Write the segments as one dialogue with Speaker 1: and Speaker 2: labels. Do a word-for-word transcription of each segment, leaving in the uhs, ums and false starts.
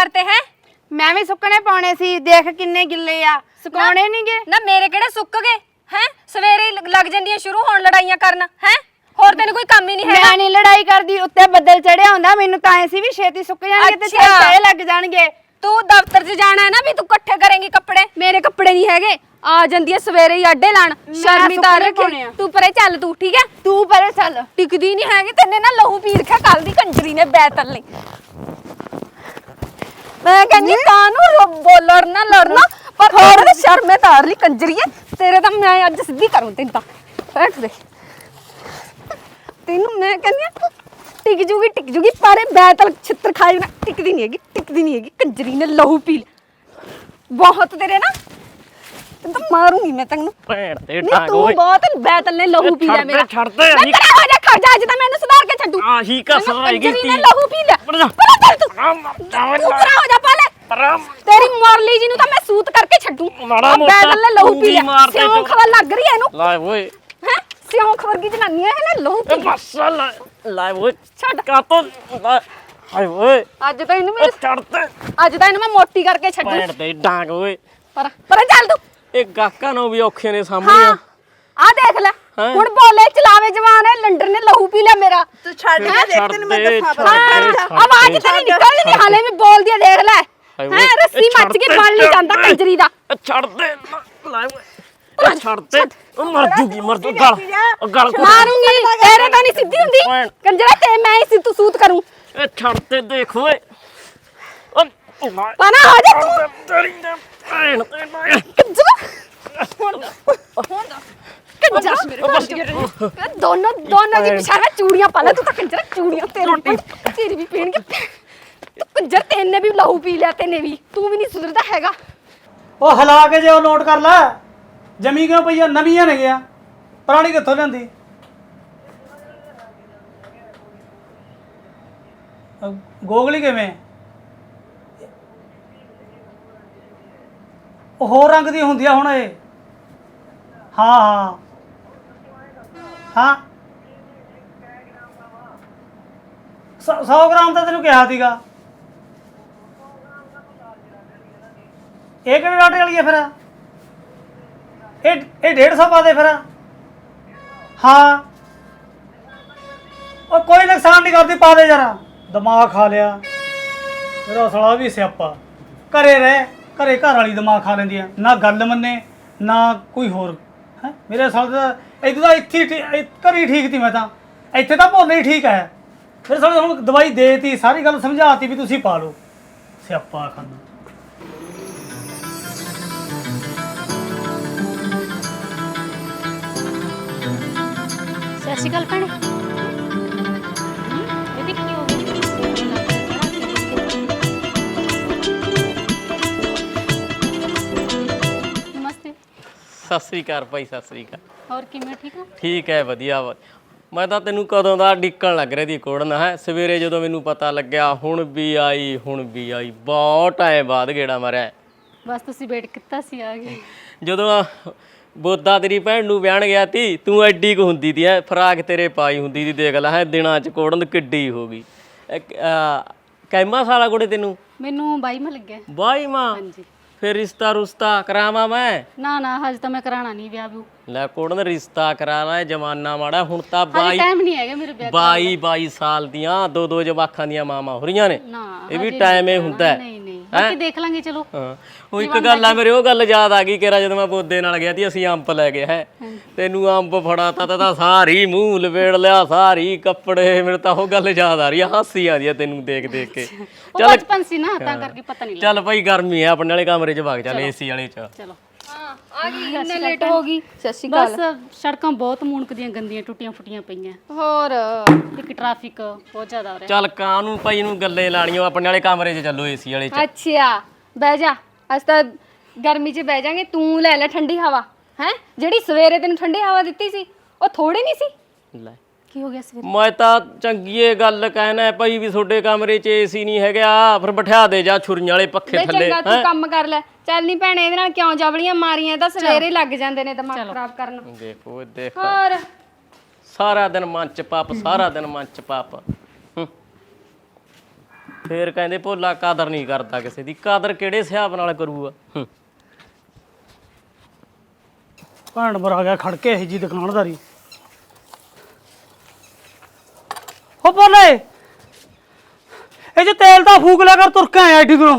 Speaker 1: ਕਰਤੇ ਹੈ
Speaker 2: ਮੈਂ ਵੀ ਸੁੱਕਣੇ ਪਾਉਣੇ ਸੀ ਦੇਖ ਕਿੰਨੇ ਗਿੱਲੇ ਆ ਸੁਕਾਉਣੇ ਨਹੀਂਗੇ
Speaker 1: ਨਾ ਮੇਰੇ ਕਿਹੜੇ ਸੁੱਕ ਗਏ ਹੈ ਸਵੇਰੇ ਹੀ ਲੱਗ ਜਾਂਦੀਆਂ ਸ਼ੁਰੂ ਹੋਣ ਲੜਾਈਆਂ ਕਰਨ ਹੈ ਹੋਰ ਤੈਨੂੰ ਕੋਈ ਕੰਮ ਹੀ ਨਹੀਂ ਹੈ
Speaker 2: ਮੈਂ ਨਹੀਂ ਲੜਾਈ ਕਰਦੀ ਉੱਤੇ ਬੱਦਲ ਚੜਿਆ ਹੁੰਦਾ ਮੈਨੂੰ ਤਾਂ ਐ ਸੀ ਵੀ ਛੇਤੀ ਸੁੱਕ ਜਾਣਗੇ ਤੇ ਛੇਤੀ ਲੱਗ ਜਾਣਗੇ
Speaker 1: ਤੂੰ ਦਫ਼ਤਰ 'ਚ ਜਾਣਾ ਹੈ ਨਾ ਵੀ ਤੂੰ ਇਕੱਠੇ ਕਰੇਂਗੀ ਕੱਪੜੇ ਮੇਰੇ ਕੱਪੜੇ ਨਹੀਂ ਹੈਗੇ ਆ ਜਾਂਦੀ ਹੈ ਸਵੇਰੇ ਹੀ ਆਡੇ ਲਾਣ ਸ਼ਰਮੀ ਤਾਂ ਰੱਖੇ ਤੂੰ ਪਰੇ ਚੱਲ ਤੂੰ ਠੀਕ ਹੈ
Speaker 2: ਤੂੰ ਪਰੇ ਚੱਲ
Speaker 1: ਟਿਕਦੀ ਨਹੀਂ ਹੈਗੀ ਤੈਨੇ ਨਾ ਲਹੂ ਪੀ ਰੱਖਿਆ ਕੱਲ ਦੀ ਕੰਜਰੀ ਨੇ ਬੈਤਲ ਲਈ ਮੈਂ ਕਹਿੰਦੀ ਕਾਨੂੰ ਬੋਲਣਾ ਲੜਨਾ ਪਰ ਥੋੜਾ ਸ਼ਰਮੇ ਤਾਰ ਲਈ ਕੰਜਰੀਏ ਤੇਰੇ ਤਾਂ ਮੈਂ ਅੱਜ ਸਿੱਧੀ ਕਰੂੰ ਤੈਨੂੰ ਤਾਂ ਬੈਠ ਦੇ ਤੈਨੂੰ ਮੈਂ ਕਹਿੰਦੀ ਟਿਕ ਜੂਗੀ ਟਿਕ ਜੂਗੀ ਪਾਰੇ ਬੈਤਲ ਛਿੱਤਰ ਖਾਈ ਨਾ ਟਿਕਦੀ ਨਹੀਂ ਹੈਗੀ ਟਿਕਦੀ ਨਹੀਂ ਹੈਗੀ ਕੰਜਰੀ ਨੇ ਲਹੂ ਪੀ ਬਹੁਤ ਤੇਰੇ ਨਾ ਤੈਨੂੰ ਤਾਂ ਮਾਰੂੰਗੀ ਮੈਂ ਤੈਨੂੰ
Speaker 3: ਭੈਣ ਦੇ
Speaker 1: ਨਹੀਂ
Speaker 3: ਟਾਂਗ
Speaker 1: ਤੂੰ
Speaker 3: ਓਏ
Speaker 1: ਬਹੁਤ ਬੈਤਲ ਨੇ ਲਹੂ ਪੀ ਲਿਆ ਮੇਰਾ
Speaker 3: ਛੱਡ ਦੇ
Speaker 1: ਮੈਂ ਤੇਰਾ ਹੋ ਜਾ ਖੜ ਜਾ ਅੱਜ ਤਾਂ ਮੈਨੂੰ ਸੁਧਾਰ ਕੇ ਛੱਡੂ
Speaker 3: ਆਹੀ ਕਸਰ ਰਹਿ ਗਈ
Speaker 1: ਕੰਜਰੀ ਨੇ ਲਹੂ ਪੀ ਲਿਆ ਪਰਾ ਚੱਲ ਤੂੰ ਤੂੰ ਪਰਾ ਹੋ ਜਾ ਪਾਲੇ ਤੇਰੀ ਮੋਰਲੀ ਜੀ ਨੂੰ ਤਾਂ ਮੈਂ ਸੂਤ ਕਰਕੇ ਛੱਡੂ ਬੈਤਲ ਨੇ ਲਹੂ ਪੀ ਲਿਆ ਸਿਉਂ ਖਵਾ ਲੱਗ ਰਹੀ ਐ ਇਹਨੂੰ
Speaker 3: ਲੈ ਓਏ
Speaker 1: ਹੈ ਸਿਉਂ ਖਵਰਗੀ ਜਨਾਨੀ ਐ ਇਹਨੇ ਲਹੂ ਪੀ ਲਿਆ
Speaker 3: ਬਸ ਲੈ ਲੈ ਓਏ
Speaker 1: ਛੱਡ
Speaker 3: ਕਾ ਤੋ ਹਾਏ ਓਏ
Speaker 1: ਅੱਜ ਤਾਂ ਇਹਨੂੰ ਮੈਂ
Speaker 3: ਛੱਡ ਤੇ
Speaker 1: ਅੱਜ ਤਾਂ ਇਹਨੂੰ ਮੈਂ ਮੋਟੀ ਕਰਕੇ ਛੱਡੂ
Speaker 3: ਭੈਣ ਦੇ ਡਾਂਗ ਓਏ
Speaker 1: ਪਰਾ ਪਰਾ ਚੱਲ ਤੂੰ
Speaker 3: ਇਹ ਗਾਕਾਂ ਨੂੰ ਵੀ ਔਖੇ ਨੇ ਸਾਹਮਣੇ
Speaker 1: ਹਾਂ ਆ ਦੇਖ ਲੈ ਹੁਣ ਬੋਲੇ ਚਲਾਵੇ ਜਵਾਨ ਹੈ ਲੰਡਰ ਨੇ ਲਹੂ ਪੀ ਲਿਆ ਮੇਰਾ
Speaker 2: ਤੂੰ ਛੱਡ ਦੇ ਦੇਖ ਤੈਨੂੰ ਮੈਂ ਦੱਸਾਂ
Speaker 1: ਹਾਂ ਆਵਾਜ਼ ਤੇਰੀ ਨਿਕਲ ਨਹੀਂ ਹਾਲੇ ਵੀ ਬੋਲਦੀ ਆ ਦੇਖ ਲੈ ਹੈ ਰੱਸੀ ਮੱਚ ਕੇ ਬਣ ਨਹੀਂ ਜਾਂਦਾ ਕੰਜਰੀ ਦਾ
Speaker 3: ਛੱਡ ਦੇ ਲੈ ਓਏ ਛੱਡ ਦੇ ਉਹ ਮਰ ਜੂਗੀ ਮਰ ਜੂ ਗਲ ਗਲ
Speaker 1: ਮਾਰੂੰਗੀ ਤੇਰੇ ਤਾਂ ਨਹੀਂ ਸਿੱਧੀ ਹੁੰਦੀ ਕੰਜਰਾ ਤੇ ਮੈਂ ਹੀ ਤੂੰ ਸੂਤ ਕਰੂੰ
Speaker 3: ਇਹ ਛੱਡ ਤੇ ਦੇਖ ਓਏ ਉਹ
Speaker 1: ਪਨਾ ਹੋ ਜਾ ਤੂੰ
Speaker 3: ਤੇਰੀ ਨੇ ਭੈਣ ਤੇ ਨਾ
Speaker 1: ਕੰਜਰਾ ਹੁਣ ਹੁਣ ਕੰਜਰਾ ਮੇਰੇ ਦੋਨੋਂ ਦੋਨੋਂ ਦੀ ਪਿਛਾੜਾ ਚੂੜੀਆਂ ਪਾ ਲੈ ਤੂੰ ਤਾਂ ਕੰਜਰਾ ਚੂੜੀਆਂ ਤੇਰੀ ਤੇਰੀ ਵੀ ਪੀਣਗੇ ਤੂੰ ਕੰਜਰ ਤੈਨੇ ਵੀ ਲਹੂ ਪੀ ਲਿਆ ਤੈਨੇ ਵੀ ਤੂੰ ਵੀ ਨਹੀਂ ਸੁਧਰਦਾ ਹੈਗਾ
Speaker 4: ਉਹ ਹਲਾ ਕੇ ਜੇ ਉਹ ਨੋਟ ਕਰ ਲੈ ਜਮੀ ਕਿਉਂ ਪਈਆ ਨਵੀਆਂ ਨੇ ਗਿਆ ਪੁਰਾਣੀ ਕਿੱਥੋਂ ਲਿਆਂਦੀ ਗੋਗਲੀ ਕਿਵੇਂ ਉਹ ਹੋਰ ਰੰਗ ਦੀ ਹੁੰਦੀ ਆ ਹੁਣ ਇਹ ਹਾਂ ਹਾਂ ਹਾਂ ਸੌ ਗ੍ਰਾਮ ਤਾਂ ਤੈਨੂੰ ਕਿਹਾ ਸੀਗਾ ਇਹ ਕਿਹੜੇ ਡਾਟੇ ਵਾਲੀ ਹੈ ਫਿਰ ਇਹ ਇਹ ਡੇਢ ਸੌ ਪਾ ਦੇ ਫਿਰ ਹਾਂ ਉਹ ਕੋਈ ਨੁਕਸਾਨ ਨਹੀਂ ਕਰਦੀ ਪਾ ਦੇ ਜਰਾ ਦਿਮਾਗ ਖਾ ਲਿਆ ਮੇਰਾ ਸਾਲਾ ਵੀ ਸਿਆਪਾ ਘਰੇ ਰਹਿ ਘਰੇ ਘਰ ਵਾਲੀ ਦਿਮਾਗ ਖਾ ਲੈਂਦੀ ਆ ਨਾ ਗੱਲ ਮੰਨੇ ਨਾ ਕੋਈ ਹੋਰ ਹੈ ਮੇਰੇ ਸਾਲੇ ਦਾ ਇੱਥੇ ਤਾਂ ਇੱਥੇ ਘਰੇ ਠੀਕ ਸੀ ਮੈਂ ਤਾਂ ਇੱਥੇ ਤਾਂ ਭੋਲੇ ਹੀ ਠੀਕ ਹੈ ਮੇਰੇ ਸਾਲੇ ਹੁਣ ਦਵਾਈ ਦੇਤੀ ਸਾਰੀ ਗੱਲ ਸਮਝਾਤੀ ਵੀ ਤੁਸੀਂ ਪਾ ਲਓ ਸਿਆਪਾ ਖਾਨਾ
Speaker 5: ਸਤਿ ਸ਼੍ਰੀ ਅਕਾਲ ਭੈਣੇ ਇਹਦੀ ਕੀ ਹੋ ਗਈ ਨਮਸਤੇ
Speaker 3: ਸਤਿ ਸ੍ਰੀ ਅਕਾਲ ਭਾਈ ਸਤਿ ਸ੍ਰੀ ਅਕਾਲ
Speaker 5: ਹੋਰ ਕਿਵੇਂ ਠੀਕ ਹੋ
Speaker 3: ਠੀਕ ਹੈ ਵਧੀਆ ਵਾ ਮੈਂ ਤਾਂ ਤੈਨੂੰ ਕਦੋਂ ਦਾ ਡਿੱਕਣ ਲੱਗ ਰਿਹਾ ਦੀ ਕੋੜਨ ਹੈ ਸਵੇਰੇ ਜਦੋਂ ਮੈਨੂੰ ਪਤਾ ਲੱਗਿਆ ਹੁਣ ਵੀ ਆਈ ਹੁਣ ਵੀ ਆਈ ਬਹੁਤ ਟਾਈਮ ਬਾਅਦ ਗੇੜਾ ਮਾਰਿਆ
Speaker 5: ਬਸ ਤੁਸੀਂ ਵੇਟ ਕੀਤਾ ਸੀ ਆ ਗਏ
Speaker 3: ਜਦੋਂ ਬੋਦਾ ਤੇਰੀ ਭੈਣ ਨੂੰ ਵਿਆਹਣ ਗਿਆ ਤੀ ਤੂੰ ਐਡੀ ਕੁ ਹੁੰਦੀ ਤੀ ਐ ਫਰਾਕ ਤੇਰੇ ਪਾਈ ਹੁੰਦੀ ਤੀ ਦੇਖ ਲੈ ਹੈ ਦਿਨਾਂ ਚ ਕੋੜਨ ਕਿੱਡੀ ਹੋ ਗਈ ਕੈਮਾ ਸਾਲਾ ਕੋੜੇ ਤੈਨੂੰ
Speaker 5: ਮੈਨੂੰ ਬਾਈ ਮਾ ਲੱਗਿਆ
Speaker 3: ਬਾਈ ਮਾਂ
Speaker 5: ਹਾਂਜੀ
Speaker 3: ਫਿਰ ਰਿਸ਼ਤਾ ਰੁਸ਼ਤਾ ਕਰਾਵਾਂ ਮੈਂ
Speaker 5: ਨਾ ਨਾ ਹਜੇ ਤਾਂ ਮੈਂ ਕਰਾਣਾ ਨਹੀਂ ਵਿਆਹ ਵੀ
Speaker 3: ਲੈ ਕੋੜਨ ਰਿਸ਼ਤਾ ਕਰਾਣਾ ਜਮਾਨਾ ਮਾੜਾ ਹੁਣ ਤਾਂ ਬਾਈ
Speaker 5: ਟਾਈਮ ਨਹੀਂ ਹੈਗਾ ਮੇਰੇ ਵਿਆਹ
Speaker 3: ਬਾਈ ਬਾਈ ਸਾਲ ਦੀਆਂ ਦੋ ਦੋ ਜਵਾਖਾਂ ਦੀਆਂ ਮਾਵਾਂ ਹੋ ਰਹੀਆਂ ਨੇ
Speaker 5: ਨਾ
Speaker 3: ਇਹ ਵੀ ਟਾਈਮ ਇਹ ਹੁੰਦਾ
Speaker 5: ਨਹੀਂ ਨਹੀਂ ਬਾਕੀ ਦੇਖ ਲਾਂਗੇ ਚਲੋ
Speaker 3: ਹਾਂ ਉਹ ਇੱਕ ਗੱਲ ਆ ਮੇਰੇ ਉਹ ਗੱਲ ਯਾਦ ਆ ਗਈ ਕਿਰਾ ਜਦੋਂ ਮੈਂ ਬੋਦੇ ਨਾਲ ਗਿਆ ਸੀ ਅਸੀਂ ਅੰਬ ਲੈ ਗਏ ਹੈ ਤੈਨੂੰ ਅੰਬ ਫੜਾਤਾ ਤਾਂ ਸਾਰੀ ਮੂੰਹ ਲਵੇੜ ਲਿਆ ਸਾਰੀ ਕੱਪੜੇ ਮੇਰੇ ਤਾਂ ਉਹ ਗੱਲ ਯਾਦ ਆ ਰਹੀ ਆ ਹਾਸੀ ਆਉਂਦੀ ਆ ਤੈਨੂੰ ਦੇਖ ਦੇਖ ਕੇ
Speaker 5: ਚੱਲ ਬਚਪਨ ਸੀ ਨਾ ਤਾਂ ਕਰਕੇ ਪਤਾ ਨਹੀਂ
Speaker 3: ਚੱਲ ਭਾਈ ਗਰਮੀ ਆ ਆਪਣੇ ਵਾਲੇ ਕਮਰੇ 'ਚ ਵਗ ਚੱਲ ਏਸੀ ਵਾਲੇ 'ਚ
Speaker 5: ਚਲੋ
Speaker 1: ਹਾਂ ਆ ਗਈ ਇੰਨੇ ਲੇਟ ਹੋ ਗਈ ਸਤਿ ਸ਼੍ਰੀ
Speaker 5: ਬਸ ਸੜਕਾਂ ਬਹੁਤ ਮੁਣਕਦੀਆਂ ਗੰਦੀਆਂ ਟੁੱਟੀਆਂ ਫੁੱਟੀਆਂ ਪਈਆਂ
Speaker 1: ਹੋਰ
Speaker 5: ਇੱਕ ਟ੍ਰੈਫਿਕ ਬਹੁਤ ਜ਼ਿਆਦਾ ਹੋ ਰਿਹਾ
Speaker 3: ਚੱਲ ਕਾਹਨੂੰ ਭਾਈ ਨੂੰ ਗੱਲੇ ਲਾਣੀਓ ਆਪਣੇ ਵਾਲੇ ਕਮਰੇ 'ਚ ਚੱਲੋ ਏਸੀ ਵਾਲੇ 'ਚ
Speaker 1: ਅੱਛਾ ਬਹਿ ਜਾ ਅੱਜ ਤਾਂ ਗਰਮੀ 'ਚ ਬਹਿ ਜਾਾਂਗੇ ਤੂੰ ਲੈ ਲੈ ਠੰਡੀ ਹਵਾ ਹੈ ਜਿਹੜੀ ਸਵੇਰੇ ਤੈਨੂੰ ਠੰਡੀ ਹਵਾ ਦਿੱਤੀ ਸੀ ਉਹ ਥੋੜੀ ਨਹੀਂ ਸੀ
Speaker 3: ਲੈ
Speaker 5: ਕੀ ਹੋ ਗਿਆ ਸਵੇਰੇ
Speaker 3: ਮੈਂ ਤਾਂ ਚੰਗੀਏ ਗੱਲ ਕਹਿਣਾ ਭਾਈ ਵੀ ਤੁਹਾਡੇ ਕਮਰੇ 'ਚ ਏਸੀ ਨਹੀਂ ਹੈਗਾ ਫਿਰ ਬਿਠਾ ਦੇ ਜਾ ਛੁਰੀਆਂ ਵਾਲੇ ਪੱਖੇ ਥੱਲੇ
Speaker 1: ਚੰਗਾ ਤੂੰ ਕੰਮ ਕਰ ਲੈ ਚੱਲ ਨਹੀਂ ਭੈਣੇ ਇਹਦੇ ਨਾਲ ਕਿਉਂ ਜਵਲੀਆਂ ਮਾਰੀਆਂ ਤਾਂ ਸਵੇਰੇ ਲੱਗ ਜਾਂਦੇ ਨੇ ਦਿਮਾਗ ਖਰਾਬ ਕਰਨ
Speaker 3: ਦੇਖੋ ਦੇਖ
Speaker 1: ਹੋਰ
Speaker 3: ਸਾਰਾ ਦਿਨ ਮਨ ਚ ਪਾਪ ਸਾਰਾ ਦਿਨ ਮਨ ਚ ਪਾਪ ਫੇਰ ਕਹਿੰਦੇ ਭੋਲਾ ਕਦਰ ਨਹੀਂ ਕਰਦਾ ਕਿਸੇ ਦੀ। ਕਦਰ ਕਿਹੜੇ ਹਿਸਾਬ ਨਾਲ ਕਰੂਗਾ? ਹੂੰ।
Speaker 4: ਭੈਣ ਬਰ ਆ ਗਿਆ ਖੜ ਕੇ ਇਹ ਜੀ ਦੁਕਾਨਦਾਰੀ। ਹੋ ਬੋਲੇ ਇਹ ਜੇ ਤੇਲ ਤਾਂ ਫੂਕ ਲਿਆ ਕਰ, ਤੁਰ ਕੇ ਆਇਆ ਏਡੀ ਦੂਰੋਂ।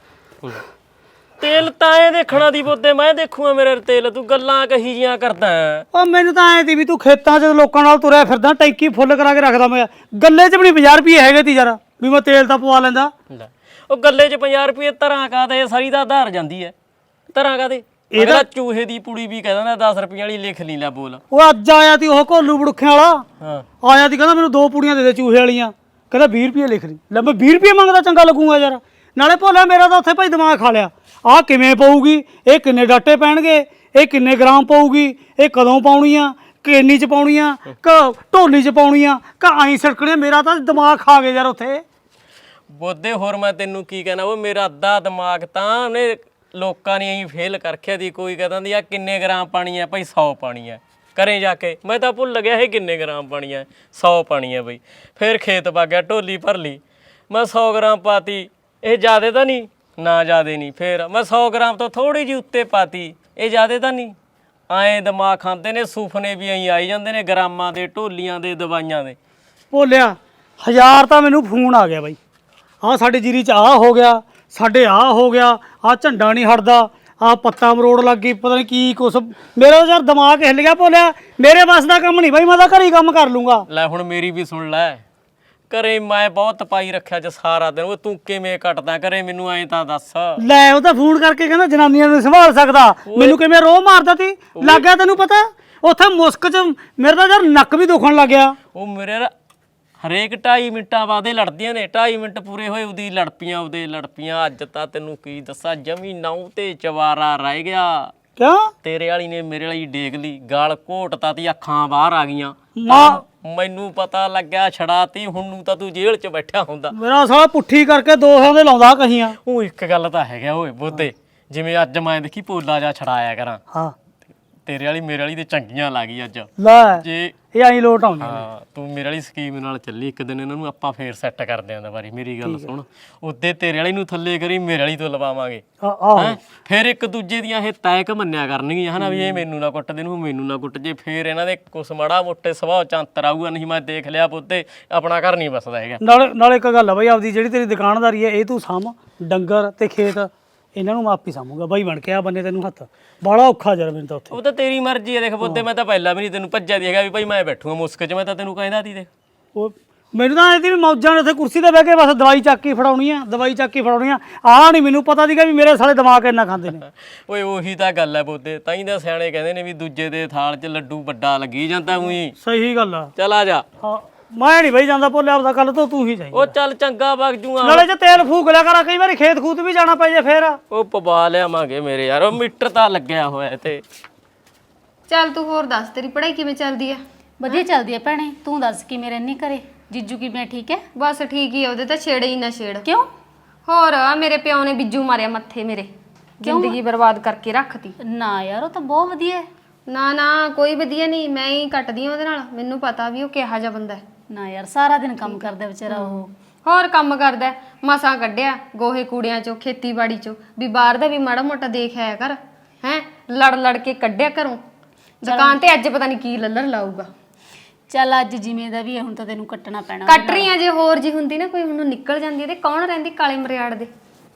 Speaker 3: ਤੇਲ ਤਾਂ ਇਹ ਦੇਖਣਾ ਦੀ ਬੋਦੇ, ਮੈਂ ਦੇਖੂਗਾ ਮੇਰੇ ਤੇਲ। ਤੂੰ ਗੱਲਾਂ ਕਹੀ ਜੀਆਂ ਕਰਦਾ ਹੈ।
Speaker 4: ਉਹ ਮੈਨੂੰ ਤਾਂ ਐ ਤੀ ਵੀ ਤੂੰ ਖੇਤਾਂ 'ਚ ਲੋਕਾਂ ਨਾਲ ਤੁਰਿਆ ਫਿਰਦਾ, ਟੈਂਕੀ ਫੁੱਲ ਕਰਾ ਕੇ ਰੱਖਦਾ। ਮੈਂ ਗੱਲੇ 'ਚ ਵੀ ਨਹੀਂ ਪੰਜਾਹ ਰੁਪਏ ਹੈਗੇ ਤੀ ਯਾਰ ਵੀ ਮੈਂ ਤੇਲ ਤਾਂ ਪਵਾ ਲੈਂਦਾ।
Speaker 3: ਲੈ, ਉਹ ਗੱਲੇ 'ਚ ਪੰਜਾਹ ਰੁਪਏ ਧਰਾਂ ਕਾਦੇ, ਸਾਰੀ ਦਾ ਆਧਾਰ ਜਾਂਦੀ ਹੈ। ਧਰਾਂ ਕਾਦੇ ਇਹਦਾ ਚੂਹੇ ਦੀ ਪੁੜੀ ਵੀ ਕਹਿ ਦਿੰਦਾ ਦਸ ਰੁਪਏ ਵਾਲੀ ਲਿਖ ਲਈ ਲੈ ਬੋਲ।
Speaker 4: ਉਹ ਅੱਜ ਆਇਆ ਤੀ ਉਹ ਘੋਲੂ ਬੜੁੱਖਿਆਂ ਵਾਲਾ,
Speaker 3: ਹਾਂ
Speaker 4: ਆਇਆ ਤੀ ਕਹਿੰਦਾ ਮੈਨੂੰ ਦੋ ਪੂੜੀਆਂ ਦੇ ਦੇ ਚੂਹੇ ਵਾਲੀਆਂ, ਕਹਿੰਦਾ ਵੀਹ ਰੁਪਏ ਲਿਖ ਲਈ। ਲੈ ਮੈਂ ਵੀਹ ਰੁਪਏ ਮੰਗਦਾ ਚੰਗਾ ਲੱਗੂਗਾ ਯਾਰ। ਨਾਲੇ ਭੋਲਾ ਮੇਰਾ ਤਾਂ ਉੱਥੇ ਭਾਈ ਦਿਮਾਗ ਖਾ ਲਿਆ। ਆਹ ਕਿਵੇਂ ਪਊਗੀ, ਇਹ ਕਿੰਨੇ ਡਾਟੇ ਪੈਣਗੇ, ਇਹ ਕਿੰਨੇ ਗ੍ਰਾਮ ਪਊਗੀ, ਇਹ ਕਦੋਂ ਪਾਉਣੀ ਆ, ਕਿੰਨੀ 'ਚ ਪਾਉਣੀ ਆ, ਕ ਢੋਲੀ 'ਚ ਪਾਉਣੀ ਆ, ਕ ਆਈ ਸੜਕਣੇ। ਮੇਰਾ ਤਾਂ ਦਿਮਾਗ ਖਾ ਗਿਆ ਯਾਰ ਉੱਥੇ।
Speaker 3: ਬੋਦੇ ਹੋਰ ਮੈਂ ਤੈਨੂੰ ਕੀ ਕਹਿਣਾ, ਉਹ ਮੇਰਾ ਅੱਧਾ ਦਿਮਾਗ ਤਾਂ ਉਹਨੇ ਲੋਕਾਂ ਨੇ ਐਂ ਫੇਲ ਕਰਖਿਆ ਦੀ। ਕੋਈ ਕਹਿੰਦਾ ਦੀ ਆ ਕਿੰਨੇ ਗ੍ਰਾਮ ਪਾਣੀ ਹੈ ਭਾਈ, ਸੌ ਪਾਣੀ ਹੈ। ਘਰੇ ਜਾ ਕੇ ਮੈਂ ਤਾਂ ਭੁੱਲ ਗਿਆ ਇਹ ਕਿੰਨੇ ਗ੍ਰਾਮ ਪਾਣੀ ਹੈ, ਸੌ ਪਾਣੀ ਹੈ ਬਈ। ਫਿਰ ਖੇਤ ਪਾ ਗਿਆ, ਢੋਲੀ ਭਰ ਲਈ, ਮੈਂ ਸੌ ਗ੍ਰਾਮ ਪਾਤੀ। ਇਹ ਜ਼ਿਆਦਾ ਤਾਂ ਨਹੀਂ ਨਾ, ਜ਼ਿਆਦਾ ਨਹੀਂ। ਫਿਰ ਮੈਂ ਸੌ ਗ੍ਰਾਮ ਤੋਂ ਥੋੜੀ ਜਿਹੀ ਉੱਤੇ ਪਾਤੀ, ਇਹ ਜ਼ਿਆਦਾ ਤਾਂ ਨਹੀਂ। ਐਂ ਦਿਮਾਗ ਖਾਂਦੇ ਨੇ, ਸੁਪਨੇ ਵੀ ਐਂ ਆਈ ਜਾਂਦੇ ਨੇ ਗ੍ਰਾਮਾਂ ਦੇ, ਢੋਲੀਆਂ ਦੇ, ਦਵਾਈਆਂ ਦੇ।
Speaker 4: ਭੋਲਿਆ ਹਜ਼ਾਰ ਤਾਂ ਮੈਨੂੰ ਫੋਨ ਆ ਗਿਆ ਬਾਈ, ਆਹ ਸਾਡੇ ਜੀਰੀ 'ਚ ਆਹ ਹੋ ਗਿਆ, ਸਾਡੇ ਆਹ ਹੋ ਗਿਆ, ਆਹ ਝੰਡਾ ਨਹੀਂ ਹਟਦਾ, ਆਹ ਪੱਤਾ ਮਰੋੜ ਲੱਗ ਗਈ, ਪਤਾ ਨਹੀਂ ਕੀ ਕੁਛ। ਮੇਰਾ ਯਾਰ ਦਿਮਾਗ ਹਿੱਲ ਗਿਆ। ਭੋਲਿਆ ਮੇਰੇ ਵੱਸ ਦਾ ਕੰਮ ਨਹੀਂ ਬਾਈ, ਮੈਂ ਤਾਂ ਘਰੇ ਹੀ ਕੰਮ ਕਰ ਲੂੰਗਾ।
Speaker 3: ਲੈ ਹੁਣ ਮੇਰੀ ਵੀ ਸੁਣ ਲੈ, ਘਰੇ ਮੈਂ ਬਹੁਤ ਪਾਈ ਰੱਖਿਆ ਚ ਸਾਰਾ ਦਿਨ। ਉਹ ਤੂੰ ਕਿਵੇਂ ਕੱਟਦਾ ਘਰੇ, ਮੈਨੂੰ ਐਂ ਤਾਂ ਦੱਸ।
Speaker 4: ਲੈ ਉਹ ਤਾਂ ਫੋਨ ਕਰਕੇ ਕਹਿੰਦਾ ਜਨਾਨੀਆਂ ਨੂੰ ਸੰਭਾਲ ਸਕਦਾ, ਮੈਨੂੰ ਕਿਵੇਂ ਰੋਹ ਮਾਰਦਾ ਤੀ। ਲੱਗ ਗਿਆ ਤੈਨੂੰ ਪਤਾ ਉੱਥੇ ਮੁਸਕ 'ਚ ਮੇਰੇ ਤਾਂ ਯਾਰ ਨੱਕ ਵੀ ਦੁਖਣ ਲੱਗ ਗਿਆ।
Speaker 3: ਉਹ ਮੇਰੇ ਹਰੇਕ ਢਾਈ ਮਿੰਟਾਂ ਬਾਅਦ ਇਹ ਲੜਦੀਆਂ ਨੇ। ਢਾਈ ਮਿੰਟ ਪੂਰੇ ਹੋਏ ਉਹਦੀ ਲੜਪੀਆਂ, ਉਹਦੇ ਲੜਪੀਆਂ। ਅੱਜ ਤਾਂ ਤੈਨੂੰ ਕੀ ਦੱਸਾਂ, ਜਮੀ ਨਾਉ ਤੇ ਚਵਾਰਾ ਰਹਿ ਗਿਆ।
Speaker 4: ਕਿਉਂ?
Speaker 3: ਤੇਰੇ ਵਾਲੀ ਨੇ ਮੇਰੇ ਵਾਲੀ ਡੇਗ ਲਈ, ਗਾਲ ਘੋਟਤਾ ਤੀ, ਅੱਖਾਂ ਬਾਹਰ ਆ ਗਈਆਂ।
Speaker 4: ਮਾਂ
Speaker 3: ਮੈਨੂੰ ਪਤਾ ਲੱਗਿਆ ਛੜਾਤੀ। ਹੁਣ ਨੂੰ ਤਾਂ ਤੂੰ ਜੇਲ੍ਹ 'ਚ ਬੈਠਾ ਹੁੰਦਾ।
Speaker 4: ਮੇਰਾ ਸਾਲਾ ਪੁੱਠੀ ਕਰਕੇ ਦੋ ਸੌ ਦੇ ਲਾਉਂਦਾ ਕਹੀਆਂ।
Speaker 3: ਉਹ ਇੱਕ ਗੱਲ ਤਾਂ ਹੈਗਾ ਓਏ ਬੋਤੇ, ਜਿਵੇਂ ਅੱਜ ਮੈਂ ਦੇਖੀ ਪੋਲਾ ਜਾ ਛੜਾਇਆ ਕਰਾਂ,
Speaker 4: ਹਾਂ
Speaker 3: ਤੇਰੇ ਵਾਲੀ ਮੇਰੇ ਵਾਲੀ ਤੇ ਚੰਗੀਆਂ ਲੱਗ ਗਈ ਅੱਜ।
Speaker 4: ਲੈ
Speaker 3: ਜੇ
Speaker 4: ਇਹ ਆਈ ਲੋਟ ਆਉਂਦੀ।
Speaker 3: ਹਾਂ ਤੂੰ ਮੇਰੇ ਵਾਲੀ ਸਕੀਮ ਨਾਲ ਚੱਲੀ, ਇੱਕ ਦਿਨ ਇਹਨਾਂ ਨੂੰ ਆਪਾਂ ਫੇਰ ਸੈੱਟ ਕਰਦੇ ਆਂ ਦੁਬਾਰੀ। ਮੇਰੀ ਗੱਲ ਸੁਣ, ਉੱਤੇ ਤੇਰੇ ਵਾਲੀ ਨੂੰ ਥੱਲੇ ਕਰੀ, ਮੇਰੇ ਵਾਲੀ ਤੋਂ ਲਵਾਵਾਂਗੇ।
Speaker 4: ਆਹੋ
Speaker 3: ਹੈਂ ਫਿਰ ਇੱਕ ਦੂਜੇ ਦੀਆਂ ਇਹ ਤੈਕ ਮੰਨਿਆ ਕਰਨਗੀਆਂ ਹਨਾ, ਵੀ ਇਹ ਮੈਨੂੰ ਨਾ ਕੁੱਟ ਦੇ, ਨੂੰ ਮੈਨੂੰ ਨਾ ਕੁੱਟ ਜੇ। ਫੇਰ ਇਹਨਾਂ ਦੇ ਕੁਛ ਮਾੜਾ ਮੋਟੇ ਸੁਭਾਅ ਚ ਅੰਤਰ ਆਊਗਾ। ਨਹੀਂ ਮੈਂ ਦੇਖ ਲਿਆ ਪੁੱਤੇ, ਆਪਣਾ ਘਰ ਨਹੀਂ ਬਸਦਾ ਹੈਗਾ।
Speaker 4: ਨਾਲੇ ਨਾਲੇ ਇੱਕ ਗੱਲ ਆ ਬਾਈ, ਆਪਦੀ ਜਿਹੜੀ ਤੇਰੀ ਦੁਕਾਨਦਾਰੀ ਹੈ ਇਹ ਤੂੰ ਸਾਂਭ। ਡੰਗਰ ਤੇ ਖੇਤ ਇਹਨਾਂ ਨੂੰ ਮੈਂ ਆਪ ਹੀ ਸਾਂਭੂਗਾ ਬਾਈ ਬਣ ਕੇ। ਆ ਬੰਨੇ ਤੈਨੂੰ ਹੱਥ ਬੜਾ ਔਖਾ ਯਾਰ ਮੈਨੂੰ ਤਾਂ ਉੱਥੇ।
Speaker 3: ਉਹ ਤਾਂ ਤੇਰੀ ਮਰਜ਼ੀ ਹੈ। ਦੇਖ ਪੁੱਤੇ ਮੈਂ ਤਾਂ ਪਹਿਲਾਂ ਵੀ ਨਹੀਂ ਤੈਨੂੰ ਭੱਜਿਆ ਦੀ ਹੈਗਾ ਵੀ ਭਾਈ ਮੈਂ ਬੈਠੂਗਾ ਮੁਸਕ 'ਚ। ਮੈਂ ਤਾਂ ਤੈਨੂੰ ਕਹਿੰਦਾ ਤੀ ਦੇਖ,
Speaker 4: ਉਹ ਮੈਨੂੰ ਤਾਂ ਇਹਦੀ ਵੀ ਮੌਜਾਂ ਨੇ ਉੱਥੇ ਕੁਰਸੀ ਤੇ ਬਹਿ ਕੇ ਬਸ ਦਵਾਈ ਚੱਕ ਕੇ ਫੜਾਉਣੀ ਆ, ਦਵਾਈ ਚੱਕ ਕੇ ਫੜਾਉਣੀ ਆ। ਆਹ ਨਹੀਂ ਮੈਨੂੰ ਪਤਾ ਸੀਗਾ ਵੀ ਮੇਰੇ ਸਾਲੇ ਦਿਮਾਗ ਇੰਨਾ ਖਾਂਦੇ ਨੇ।
Speaker 3: ਓਏ ਉਹੀ ਤਾਂ ਗੱਲ ਹੈ ਪੁੱਤੇ, ਤਾਂ ਹੀ ਤਾਂ ਸਿਆਣੇ ਕਹਿੰਦੇ ਨੇ ਵੀ ਦੂਜੇ ਦੇ ਥਾਲ 'ਚ ਲੱਡੂ ਵੱਡਾ ਲੱਗੀ ਜਾਂਦਾ। ਉਹੀ
Speaker 4: ਸਹੀ ਗੱਲ ਆ।
Speaker 3: ਚੱਲ ਆ ਜਾ।
Speaker 4: ਹਾਂ ਮੈਂ ਨਹੀਂ ਬਈ ਜਾਂਦਾ ਭੋਲਿਆ, ਆਪਦਾ ਕੱਲ ਤੋਂ ਤੂੰ ਹੀ ਜਾਈ।
Speaker 3: ਉਹ ਚੱਲ ਚੰਗਾ ਵਗ ਜੂਆਂ।
Speaker 4: ਨਾਲੇ ਜੇ ਤੇਲ ਫੂਕ ਲਿਆ ਕਰਾਂ, ਕਈ ਵਾਰੀ ਖੇਤ ਖੂਤ ਵੀ ਜਾਣਾ ਪੈ ਜੇ ਫੇਰ।
Speaker 3: ਉਹ ਪਵਾ ਲਿਆਵਾਂਗੇ ਮੇਰੇ ਯਾਰ, ਉਹ ਮੀਟਰ ਤਾਂ ਲੱਗਿਆ ਹੋਇਆ ਤੇ।
Speaker 1: ਚੱਲ ਤੂੰ ਹੋਰ ਦੱਸ, ਤੇਰੀ ਪੜ੍ਹਾਈ ਕਿਵੇਂ ਚੱਲਦੀ ਆ?
Speaker 5: ਵਧੀਆ ਚੱਲਦੀ ਹੈ ਭੈਣੇ, ਤੂੰ ਦੱਸ ਕਿਵੇਂ ਰਹਿਨੀ ਘਰੇ? ਜੀਜੂ ਕਿਵੇਂ, ਠੀਕ ਹੈ?
Speaker 1: ਬਸ ਠੀਕ ਹੀ ਆ, ਉਹਦੇ ਤਾਂ ਛੇੜੇ ਹੀ ਨਾ ਛੇੜ।
Speaker 5: ਕਿਉਂ?
Speaker 1: ਹੋਰ ਆ ਮੇਰੇ ਪਿਓ ਨੇ ਬਿੱਜੂ ਮਾਰਿਆ ਮੱਥੇ ਮੇਰੇ, ਜ਼ਿੰਦਗੀ ਬਰਬਾਦ ਕਰਕੇ ਰੱਖਤੀ।
Speaker 5: ਨਾ ਯਾਰ ਉਹ ਤਾਂ ਬਹੁਤ ਵਧੀਆ ਹੈ।
Speaker 1: ਨਾ ਨਾ ਕੋਈ ਵਧੀਆ ਨਹੀਂ, ਮੈਂ ਹੀ ਕੱਟਦੀ ਆ ਉਹਦੇ ਨਾਲ। ਮੈਨੂੰ ਪਤਾ ਵੀ ਉਹ ਕਿਹਾ ਜਾ ਬੰਦਾ ਹੈ।
Speaker 5: ਨਾ ਯਾਰ ਸਾਰਾ ਦਿਨ ਕੰਮ ਕਰਦਾ ਵਿਚਾਰਾ ਉਹ।
Speaker 1: ਹੋਰ ਕੰਮ ਕਰਦਾ, ਮਸਾਂ ਕੱਢਿਆ ਗੋਹੇ ਕੂੜਿਆਂ ਚੋਂ, ਖੇਤੀਬਾੜੀ ਚੋਂ। ਵੀ ਬਾਹਰ ਦਾ ਵੀ ਮਾੜਾ ਮੋਟਾ ਦੇਖ ਆਇਆ ਕਰ। ਹੈ ਲੜ ਲੜ ਕੇ ਕੱਢਿਆ ਘਰੋਂ। ਦੁਕਾਨ ਤੇ ਅੱਜ ਪਤਾ ਨਹੀਂ ਕੀ ਲੱਲਰ ਲਾਊਗਾ।
Speaker 5: ਚੱਲ ਅੱਜ ਜਿਵੇਂ ਦਾ ਵੀ ਹੈ, ਹੁਣ ਤਾਂ ਤੈਨੂੰ ਕੱਟਣਾ ਪੈਣਾ।
Speaker 1: ਕੱਟ ਰਹੀ ਆ, ਜੇ ਹੋਰ ਜੀ ਹੁੰਦੀ ਨਾ ਕੋਈ ਹੁਣ ਨਿਕਲ ਜਾਂਦੀ ਹੈ ਤੇ ਕੌਣ ਰਹਿੰਦੀ ਕਾਲੇ ਮਰਿਆੜ ਦੇ।